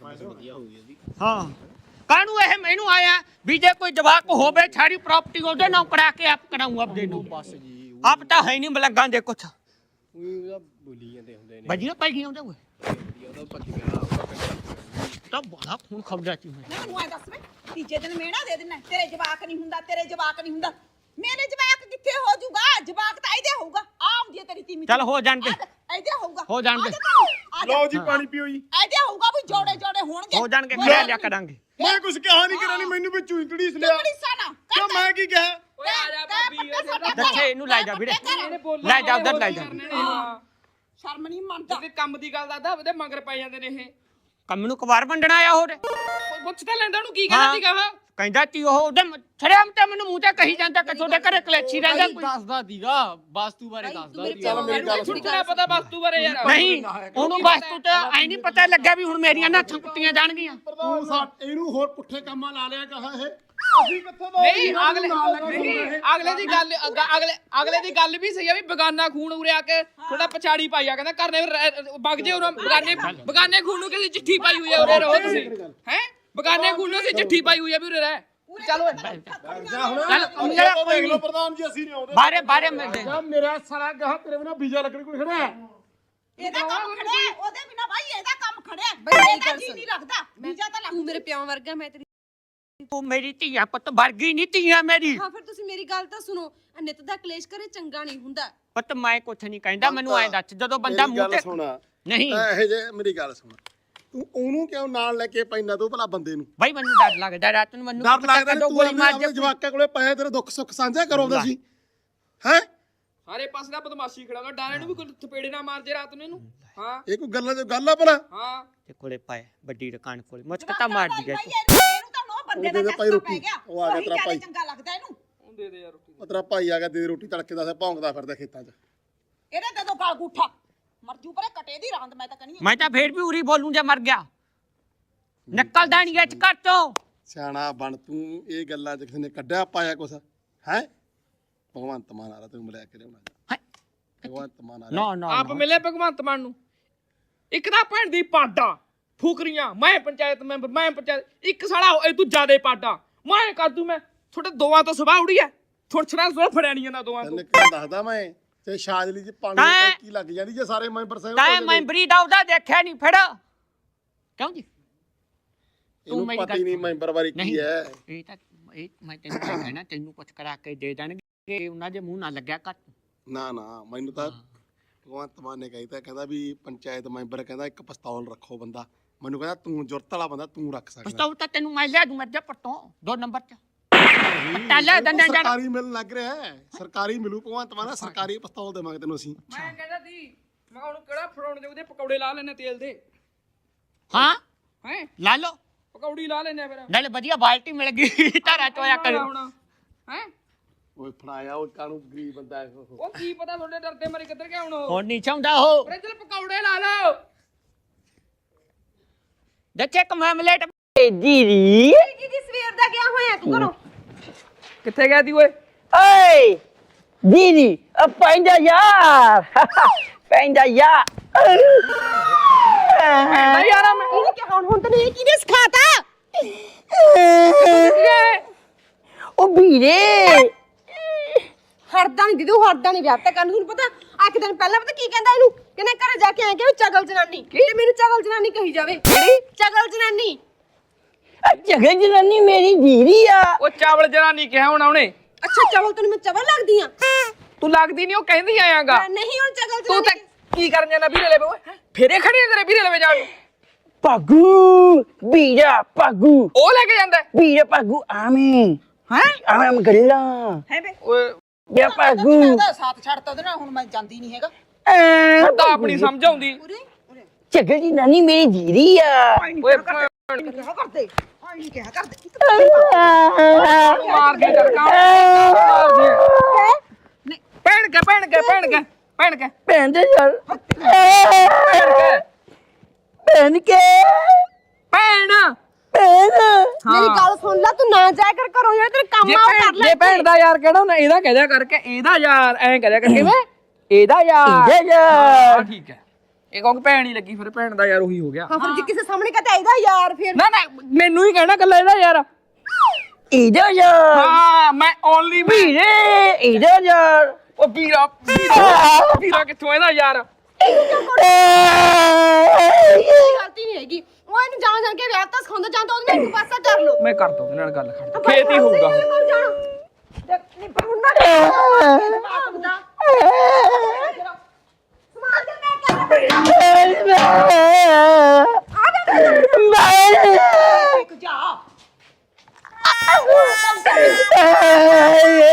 B: ਹਾਂ ਕਾਹਨੂੰ ਇਹ ਮੈਨੂੰ ਆਇਆ ਵੀ ਜੇ ਕੋਈ ਜਵਾਕ ਹੋਵੇ ਸਾਰੀ ਪ੍ਰਾਪਰਟੀ ਉਹਦੇ ਨਾਮ ਕਰਾ ਕੇ ਆਪ ਕਰਾਉਂ ਆਪਦੇ ਨੂੰ ਬਸ ਜੀ ਆਪ ਤਾਂ ਹੈ ਨਹੀਂ ਮਲੰਗਾਂ ਦੇ ਕੁਛ
A: ਬੋਲੀ ਜਾਂਦੇ ਹੁੰਦੇ ਨੇ
B: ਬਜੀਆਂ ਪੈ ਗਈਆਂ ਉਹਦੇ ਓਏ ਤਾਂ ਬੜਾ ਖੂਨ ਖਬਦਾ ਸੀ ਮੈਂ
F: ਨਾ ਤੂੰ ਐ ਦੱਸ ਵੇ ਤੀਜੇ ਦਿਨ ਮੇਣਾ ਦੇ ਦੇਣਾ ਤੇਰੇ ਜਵਾਕ ਨਹੀਂ ਹੁੰਦਾ ਤੇਰੇ ਜਵਾਕ ਨਹੀਂ ਹੁੰਦਾ ਮੇਰੇ ਜਵਾਕ ਕਿੱਥੇ ਹੋ ਜਾਊਗਾ ਜਵਾਕ ਤਾਂ ਇਹਦੇ ਹੋਊਗਾ ਆ ਹੁੰਦੀ ਹੈ ਤੇਰੀ ਤੀਮੀ
B: ਚੱਲ ਹੋ ਜਾਣ ਦੇ
F: ਇਹਦੇ ਹੋਊਗਾ
B: ਹੋ ਜਾਣ ਦੇ।
F: ਆ ਜਾ ਤੂੰ, ਆ ਜਾ।
C: ਲਓ ਜੀ ਪਾਣੀ ਪੀਓ ਜੀ
F: ਇਹਦੇ ਹੋਊਗਾ ਵੀ ਜੋੜੇ ਜੋੜੇ ਹੋਣਗੇ
B: ਹੋ ਜਾਣਗੇ ਖੜਿਆ ਲਿਆ ਕਰਾਂਗੇ
C: ਮੈਂ ਕੁਝ ਕਿਹਾ ਨਹੀਂ ਕਰਾਂ ਨਹੀਂ ਮੈਨੂੰ ਵਿੱਚ ਚੂੰਟੜੀ ਲਿਆ
F: ਚੁੰਗੜੀ ਸਾਨਾ
C: ਕਿਉਂ ਮੈਂ ਕੀ ਕਿਹਾ
E: ਓਏ ਆ ਜਾ ਭਾਬੀ
B: ਦੱਸੇ ਇਹਨੂੰ ਲੈ ਜਾ ਵੀਰੇ
E: ਇਹਨੇ ਬੋਲਣਾ
B: ਲੈ ਜਾ ਉਧਰ ਲੈ ਜਾ
E: ਹਾਂ
F: ਸ਼ਰਮ ਨਹੀਂ ਮੰਨਦਾ
E: ਜੇ ਕੰਮ ਦੀ ਗੱਲ ਦੱਸਦਾ ਉਹਦੇ ਮਗਰ ਪੈ ਜਾਂਦੇ ਨੇ ਇਹ
B: ਕੰਮ ਨੂੰ ਕਵਾਰ ਵੰਡਣਾ ਆਇਆ ਹੋਰ
E: ਪੁੱਛ ਤਾਂ ਲੈਂਦਾ ਉਹਨੂੰ ਕੀ ਕਹਿੰਦਾ ਸੀਗਾ ਵਾ
B: ਕਹਿੰਦਾ ਤੀ ਉਹ ਉਹਦੇ ਛੜਿਆਮ ਤੇ ਮੈਨੂੰ ਮੂੰਹ ਤੇ ਕਹੀ ਜਾਂਦਾ ਕਿ ਤੁਹਾਡੇ ਘਰੇ ਕਲੇਚੀ ਰਹਿੰਦਾ ਕੋਈ
A: ਦੱਸਦਾ ਦੀਗਾ ਵਾਸਤੂ ਬਾਰੇ ਦੱਸਦਾ
G: ਚੱਲ ਮੇਰੀ ਗੱਲ ਸੁਣ
E: ਛੁੱਟਣਾ ਪਤਾ ਵਸਤੂ ਬਾਰੇ ਯਾਰ
B: ਨਹੀਂ ਉਹਨੂੰ ਵਾਸਤੂ ਤੇ ਐ ਨਹੀਂ ਪਤਾ ਲੱਗਿਆ ਵੀ ਹੁਣ ਮੇਰੀਆਂ ਨਾਥਾਂ ਕੁੱਟੀਆਂ ਜਾਣਗੀਆਂ
G: ਤੂੰ ਸਾ ਇਹਨੂੰ ਹੋਰ ਪੁੱਠੇ ਕੰਮਾਂ ਲਾ ਲਿਆ ਕਹਾ ਇਹ ਅਸੀਂ ਕਿੱਥੋਂ ਦਾ
E: ਨਹੀਂ ਅਗਲੇ ਨਹੀਂ ਅਗਲੇ ਦੀ ਗੱਲ ਅਗ- ਅਗਲੇ ਅਗਲੇ ਦੀ ਗੱਲ ਵੀ ਸਹੀ ਆ ਵੀ ਬਗਾਨਾ ਖੂਨ ਉਰੇ ਆ ਕੇ ਥੋੜਾ ਪਛਾੜੀ ਪਾਈ ਆ ਕਹਿੰਦਾ ਘਰ ਨੇ ਵਗ ਜੇ ਉਹਨਾਂ ਬਗਾਨੇ ਬਗਾਨੇ ਖੂਨ ਨੂੰ ਕਿਸੇ ਚਿੱਠੀ ਪਾਈ ਹੋਈ ਆ ਉਰੇ ਰਹੋ ਤੁਸੀਂ ਹੈ ਬਗਾਨੇ ਖੂਨ ਨੂੰ ਕਿਸੇ ਚਿੱਠੀ ਪਾਈ ਹੋਈ ਆ ਵੀ ਉਰੇ ਰਹਿ ਚੱਲ ਓਏ
B: ਚੱਲ ਮੇਰਾ ਕੋਈ
C: ਦੇਖ ਲਓ
B: ਨਹੀਂ
C: ਪ੍ਰਧਾਨ ਜੀ ਅਸੀਂ ਨਹੀਂ ਆਉਂਦੇ
B: ਬਾਰੇ ਬਾਰੇ ਮਿਲਦੇ
G: ਜਾ ਮੇਰਾ ਸਾਲਾ ਗਾਹ ਤੇਰੇ ਬਿਨਾ ਵੀਜ਼ਾ ਲੱਗਣ ਕੋਈ ਖੜਾ ਹੈ
F: ਇਹਦਾ ਕੰਮ ਖੜਿਆ ਉਹਦੇ ਬਿਨਾ ਭਾਈ ਇਹਦਾ ਕੰਮ ਖੜਿਆ ਇਹਦਾ ਜੀ ਨਹੀਂ ਲੱਗਦਾ ਵੀਜ਼ਾ ਤਾਂ
D: ਤੂੰ ਮੇਰੇ ਪਿਓ ਵਰਗਾ ਮੈਂ ਤੇਰੀ
B: ਤੂੰ ਮੇਰੀ ਧੀਆ ਪੁੱਤ ਵਰਗੀ ਨਹੀਂ ਧੀਆ ਮੇਰੀ
D: ਹਾਂ ਫਿਰ ਤੁਸੀਂ ਮੇਰੀ ਗੱਲ ਤਾਂ ਸੁਣੋ ਨਿਤ ਦਾ ਕਲੇਸ਼ ਕਰੇ ਚੰਗਾ ਨਹੀਂ ਹੁੰਦਾ
B: ਪੁੱਤ ਮੈਂ ਕੁਛ ਨਹੀਂ ਕਹਿੰਦਾ ਮੈਨੂੰ ਐਂ ਦੱਸ ਜਦੋਂ ਬੰਦਾ
G: ਮੇਰੀ
B: ਮੂੰਹ
G: ਗੱਲ
B: ਤੇ
G: ਸੁਣਾ
B: ਨਹੀਂ
G: ਇਹ ਜੇ ਮੇਰੀ ਗੱਲ ਸੁਣ ਤੂੰ ਉਹਨੂੰ ਕਿਉਂ ਨਾਲ ਲੈ ਕੇ ਪੈਂਦਾ ਤੂੰ ਭਲਾ ਬੰਦੇ ਨੂੰ
B: ਬਾਈ ਮੈਨੂੰ ਡਰ ਲੱਗਦਾ ਰਾਤ ਨੂੰ ਮੈਨੂੰ
G: ਡਰ
B: ਪਤਾ
G: ਲੱਗਦਾ ਨੀ
B: ਕਦੋਂ
G: ਤੂੰ
B: ਗੋਲੀ ਮਾਰ
G: ਆਪਣੇ
B: ਦੇ
G: ਜਵਾਕਾਂ ਕੋਲੇ ਪਏ ਤੇਰੇ ਦੁੱਖ ਸੁੱਖ ਸਾਂਝਾ ਕਰੋ ਹੁੰਦਾ ਸੀ ਹੈ
E: ਸਾਰੇ ਪਾਸੇ ਦਾ ਬਦਮਾਸ਼ੀ ਖੜਾਉਂਦਾ ਡਾਲੇ ਨੂੰ ਵੀ ਕੋਈ ਥਪੇੜੇ ਨਾ ਮਾਰ ਜੇ ਰਾਤ ਨੂੰ ਇਹਨੂੰ ਹਾਂ
G: ਇਹ ਕੋਈ ਗੱਲਾਂ ਚ ਗੱਲ ਆ ਭਲਾ
E: ਹਾਂ
B: ਤੇ ਕੋਲੇ ਪਾਏ ਵੱਡੀ ਦੁਕਾਨ ਕੋਲੇ ਮੁਚਕਤਾ ਮਾਰਦੀ ਗਈ
F: ਇਹਨੂੰ ਤਾਂ ਨੋ ਬੰਦੇ ਦਾ
G: ਉਹਦੇ ਭਾਈ
F: ਚਸਕਾ
G: ਰੋਟੀ
F: ਪੈ ਗਿਆ
G: ਉਹ ਆ ਗਿਆ
F: ਉਹੀ
G: ਤੇਰਾ
F: ਜ਼ਿਆਦਾ
G: ਭਾਈ
F: ਚੰਗਾ ਲੱਗਦਾ ਇਹਨੂੰ
E: ਉਹ ਦੇ ਦੇ ਯਾਰ ਰੋਟੀ
G: ਉਹ ਤੇਰਾ ਭਾਈ ਆ ਗਿਆ ਦੇ ਰੋਟੀ ਤੜਕੇ ਦਾ ਭੌਂਕਦਾ ਫਿਰਦਾ ਖੇਤਾਂ 'ਚ
F: ਇਹਦੇ ਤੇ ਤੋਂ ਗਲ ਗੁੱਠਾ ਮਰਜੂ ਪਰੇ ਕਟੇ ਦੀ ਰਾਂਦ ਮੈਂ ਤਾਂ ਕਹਨੀ
B: ਮੈਂ ਤਾਂ ਫੇਰ ਵੀ ਉਰੀ ਬੋਲੂੰ ਜੇ ਮਰ ਗਿਆ ਨਿਕਲਦਾ ਨਹੀਂ ਇੱਥੇ ਘਰ ਤੋਂ
G: ਸਿਆਣਾ ਬਣ ਤੂੰ ਇਹ ਗੱਲਾਂ 'ਚ ਕਿਸੇ ਨੇ ਕੱਢਿਆ ਪਾਇਆ ਕੁਛ ਹੈ ਭਗਵੰਤ ਮਾਨ ਆ ਰਿਹਾ ਤੈਨੂੰ ਮਿਲਿਆ ਕੇ ਲਿਆਉਣਾ
B: ਹੈਂ?
G: ਭਗਵੰਤ ਮਾਨ ਆ ਰਿਹਾ
B: ਨਾ ਨਾ
E: ਆਪ ਮਿਲੇ ਭਗਵੰਤ ਮਾਨ ਨੂੰ ਇੱਕ ਤਾਂ ਭੈਣ ਦੀ ਪਾਡਾ ਫੂਕਰੀਆਂ ਮੈਂ ਪੰਚਾਇਤ ਮੈਂਬਰ ਮੈਂ ਪੰਚਾਇਤ ਇੱਕ ਸਾਲਾ ਇਹ ਤੂੰ ਜ਼ਿਆਦੇ ਪਾਡਾ ਮੈਂ ਕਰ ਦੂੰ ਮੈਂ ਤੁਹਾਡੇ ਦੋਵਾਂ ਤੋਂ ਸੁਭਾਅ ਉੜੀ ਐ ਥੋੜਾ ਥੋੜਾ ਫੜਿਆ ਨਹੀਂ ਜਾਂਦਾ ਦੋਵਾਂ ਤੋਂ
G: ਤੈਨੂੰ ਕਿਉਂ ਦੱਸਦਾ ਮੈਂ ਤੇ ਸ਼ਾਜਲੀ 'ਚ ਪਾਣੀ ਦੀ
B: ਤੈਂ-
G: ਟੈਂਕੀ ਲੱਗ ਜਾਂਦੀ ਜੇ ਸਾਰੇ ਮੈਂਬਰ ਸਾਹਿਬ
B: ਤਾਂ ਮੈਂਬਰੀ ਦਾ ਉਹਦਾ ਦੇਖਿਆ ਨਹੀਂ ਫੜ ਕਿਉਂ ਜੀ
G: ਇਹਨੂੰ
B: ਮੇਰੀ
G: ਪਤਾ ਹੀ
B: ਗੱਲ-
G: ਨਹੀਂ ਮੈਂਬਰ ਬਾਰੇ ਕੀ
B: ਨਹੀਂ
G: ਹੈ
B: ਇਹ ਤਾਂ ਇਹ ਮੈਂ ਤੈਨੂੰ ਕਿਹਾ ਕਹਿਣਾ ਤੈਨੂੰ ਕੁਛ ਕਰਾ ਕੇ ਦੇ ਦੇਣਗੇ ਉਹਨਾਂ ਦੇ ਮੂੰਹ ਨਾ ਲੱਗਿਆ ਕੱਟ
G: ਨਾ ਨਾ ਮੈਨੂੰ ਤਾਂ ਭਗਵੰਤ ਮਾਨ ਨੇ ਕਹਿਤਾ ਕਹਿੰਦਾ ਵੀ ਪੰਚਾਇਤ ਮੈਂਬਰ ਕਹਿੰਦਾ ਇੱਕ ਪਿਸਤੌਲ ਰੱਖੋ ਬੰਦਾ ਮੈਨੂੰ ਕਹਿੰਦਾ ਤੂੰ ਜ਼ਰੂਰਤ ਵਾਲਾ ਬੰਦਾ ਤੂੰ ਰੱਖ ਸਕਦਾ
B: ਪਛਤਾਉ ਤਾਂ ਤੈਨੂੰ ਮੈਂ ਲਿਆ ਦੂੰ ਮਰਜਾ ਪੱਟੋਂ ਦੋ ਨੰਬਰ ਚ ਟਾਲਾ ਦੰਦਾਂ ਜੜ
G: ਸਰਕਾਰੀ ਮਿਲਣ ਲੱਗ ਰਿਹਾ ਹੈ ਸਰਕਾਰੀ ਮਿਲੂ ਭਗਵੰਤ ਮਾਨ ਸਰਕਾਰੀ ਪਿਸਤੌਲ ਦੇਵਾਂਗੇ ਤੈਨੂੰ ਅਸੀਂ
E: ਮੈਂ ਕਹਿੰਦਾ ਸੀ ਮੈਂ ਉਹਨੂੰ ਕਿਹੜਾ ਫੜਾਉਣ ਦੇ ਉਹਦੇ ਪਕੌੜੇ ਲਾ ਲੈਣੇ ਤੇਲ ਦੇ
B: ਹਾਂ
E: ਹੈ
B: ਲਾ ਲੋ
E: ਪਕੌੜੀ ਲਾ ਲੈਣੇ ਫਿਰ
B: ਨਾਲੇ ਵਧੀਆ ਬਾਲਟੀ ਮਿਲ ਗਈ ਧਾਰਾ ਚੋਇਆ ਕਰੋ
E: ਹੈ
G: ਓਏ ਫੜਾਇਆ ਉਹ ਕਾਨੂੰ ਗਰੀਬ ਬੰਦਾ ਹੈ ਉਹ
E: ਉਹ ਕੀ ਪਤਾ ਤੁਹਾਡੇ ਡਰਦੇ ਮਰੇ ਕਿੱਧਰ ਗਿਆ ਹੁਣ ਉਹ
B: ਹੁਣ ਨਹੀਂ ਚਾਹੁੰਦਾ ਉਹ
E: ਅਰੇ ਚਲ ਪਕੌੜੇ ਲਾ ਲਓ
B: ਦੇਖੇ ਕਮੈਮਲੇਟ ਜੀਰੀ
D: ਕੀ ਜੀ ਸਵੇਰ ਦਾ ਗਿਆ ਹੋਇਆ ਤੂੰ ਘਰੋਂ
E: ਕਿੱਥੇ ਗਿਆ ਦੀ ਓਏ
B: ਓਏ ਜੀਰੀ ਆ ਪੈਂਦਾ ਯਾਰ ਪੈਂਦਾ ਯਾਰ
E: ਪੈਂਦਾ ਯਾਰਾ ਮੈਂ
D: ਇਹਨੇ ਕਿ ਹੁਣ ਹੁਣ ਤੈਨੂੰ ਇਹ ਕਿਹਨੇ ਸਿਖਾਤਾ
B: ਉਹ ਵੀਰੇ
D: ਹਰਦਾ ਨਹੀਂ ਦੀਦੀ ਉਹ ਹਰਦਾ ਨਹੀਂ ਵਿਆਹ ਤਾਂ ਕਰਨ ਤੁਹਾਨੂੰ ਪਤਾ ਆ ਇੱਕ ਦਿਨ ਪਹਿਲਾਂ ਪਤਾ ਕੀ ਕਹਿੰਦਾ ਇਹਨੂੰ ਕਹਿੰਦਾ ਘਰੇ ਜਾ ਕੇ ਆਇਆ ਕਿ ਚਗਲ ਜਨਾਨੀ ਤੇ ਮੈਨੂੰ ਚਗਲ ਜਨਾਨੀ ਕਹੀ ਜਾਵੇ ਕਿਹੜੀ ਚਗਲ ਜਨਾਨੀ
B: ਜਗੇ ਜਨਾਨੀ ਮੇਰੀ ਜੀਰੀ ਆ
E: ਉਹ ਚਾਵਲ ਜਨਾਨੀ ਕਿਹਾ ਹੁਣ ਉਹਨੇ
D: ਅੱਛਾ ਚਵਲ ਤੈਨੂੰ ਮੈਂ ਚਵਲ ਲੱਗਦੀ ਆ
E: ਤੂੰ ਲੱਗਦੀ ਨਹੀਂ ਉਹ ਕਹਿੰਦੀ ਆਇਆਗਾ
D: ਨਹੀਂ ਹੁਣ ਚਗਲ
E: ਤੂੰ ਤਾਂ
D: ਜਨਾਨੀ
E: ਕੀ ਕਰਨ ਜਾਣਾ ਵੀਰੇ ਲਵੇ ਓਏ ਫੇਰੇ ਖੜੀ ਨੇ ਤੇਰੇ ਵੀਰੇ ਲਵੇ ਜਾਣ ਨੂੰ
B: ਪਾਗੂ ਵੀਰਾ ਪਾਗੂ
E: ਉਹ ਲੈ ਕੇ ਜਾਂਦਾ
B: ਵੀਰਾ ਪਾਗੂ ਆਵੇਂ
F: ਹੈ
B: ਆਵੇਂ ਮੈਂ ਗੱਲਾਂ
F: ਹੈ ਬੇ
E: ਓਏ
B: ਵੀਰਾ ਪਾਗੂ
F: ਉਹਦਾ ਸਾਥ ਛੱਡਤਾ ਉਹਦੇ ਨਾਲ ਹੁਣ ਮੈਂ ਜਾਂਦੀ ਨਹੀਂ ਹੈਗਾ
E: ਤਾਂ ਆਪਣੀ ਸਮਝ ਆਉਂਦੀ
B: ਜਗੇ ਜਨਾਨੀ ਮੇਰੀ ਜੀਰੀ ਆ
E: ਓਏ
F: ਕਿਹਾ ਕਰਦੇ ਹਾਂ ਨਹੀਂ ਕਿਹਾ ਕਰਦੇ
E: ਮਾਰ ਦੇ ਜਰਕਾ ਮਾਰ ਦੇ ਭੈਣ ਕੇ ਭੈਣ ਕੇ ਭੈਣ ਕੇ ਭੈਣ ਕੇ
B: ਭੈਣ ਦੇ ਯਾਰ
E: ਭੈਣ ਕੇ
B: ਭੈਣ ਕੇ
E: ਭੈਣ
B: ਭੈਣ
D: ਮੇਰੀ ਗੱਲ ਸੁਣ ਲੈ ਤੂੰ ਨਾ ਜਾਇਆ ਕਰ ਘਰੋਂ ਯਾਰ ਤੇਰੇ ਕੰਮ
E: ਜੇ
D: ਆ ਉਹ
E: ਭੈਣ
D: ਕਰ ਲੈ
E: ਜੇ ਭੈਣ ਦਾ ਯਾਰ ਕਿਹੜਾ ਨਾ ਇਹਦਾ ਕਹਿ ਦਿਆ ਕਰਕੇ ਇਹਦਾ ਯਾਰ ਐਂ ਕਹਿ ਦਿਆ ਕਰਕੇ ਮੈਂ ਇਹਦਾ ਯਾਰ
B: ਇਹਦਾ ਯਾਰ
E: ਹਾਂ ਠੀਕ ਹੈ ਇਹ ਕਹੋਗੇ ਭੈਣ ਹੀ ਲੱਗੀ ਫਿਰ ਭੈਣ ਦਾ ਯਾਰ ਉਹੀ ਹੋ ਗਿਆ
D: ਹਾਂ ਫਿਰ ਜੇ ਕਿਸੇ ਸਾਹਮਣੇ ਕਹਤਾ ਇਹਦਾ ਯਾਰ ਫਿਰ
E: ਨਾ ਨਾ ਮੈਨੂੰ ਹੀ ਕਹਿਣਾ ਕੱਲਾ ਇਹਦਾ ਯਾਰ
B: ਇਹਦਾ ਯਾਰ
E: ਹਾਂ ਮੈਂ ਓਨਲੀ
B: ਵੀਰੇ ਇਹਦਾ ਯਾਰ
E: ਉਹ ਵੀਰਾ ਵੀਰਾ ਵੀਰਾ ਕਿੱਥੋਂ ਇਹਦਾ ਯਾਰ
D: ਗਲਤੀ ਨਹੀਂ ਹੈਗੀ ਉਹ ਇਹਨੂੰ ਜਾਣ ਜਾਣ ਕੇ ਵਿਆਹ ਤਾਂ ਸਿਖਾਉਂਦਾ ਜਾਂਦਾ ਉਹਦੇ ਨਾਲ ਇੱਕ ਪਾਸਾ ਕਰ ਲੋ
E: ਮੈਂ ਕਰਦਾ ਉਹਦੇ ਨਾਲ ਗੱਲ ਖੜ ਖੇਤ ਹੀ ਹੋਊਗਾ
D: ਨਹੀਂ ਪਰ ਉਹਨਾਂ ਦਾ ਸਮਾਨ ਦੇ ਮੈਂ
F: ਇੱਕ ਜਾ
B: ਮੈਂ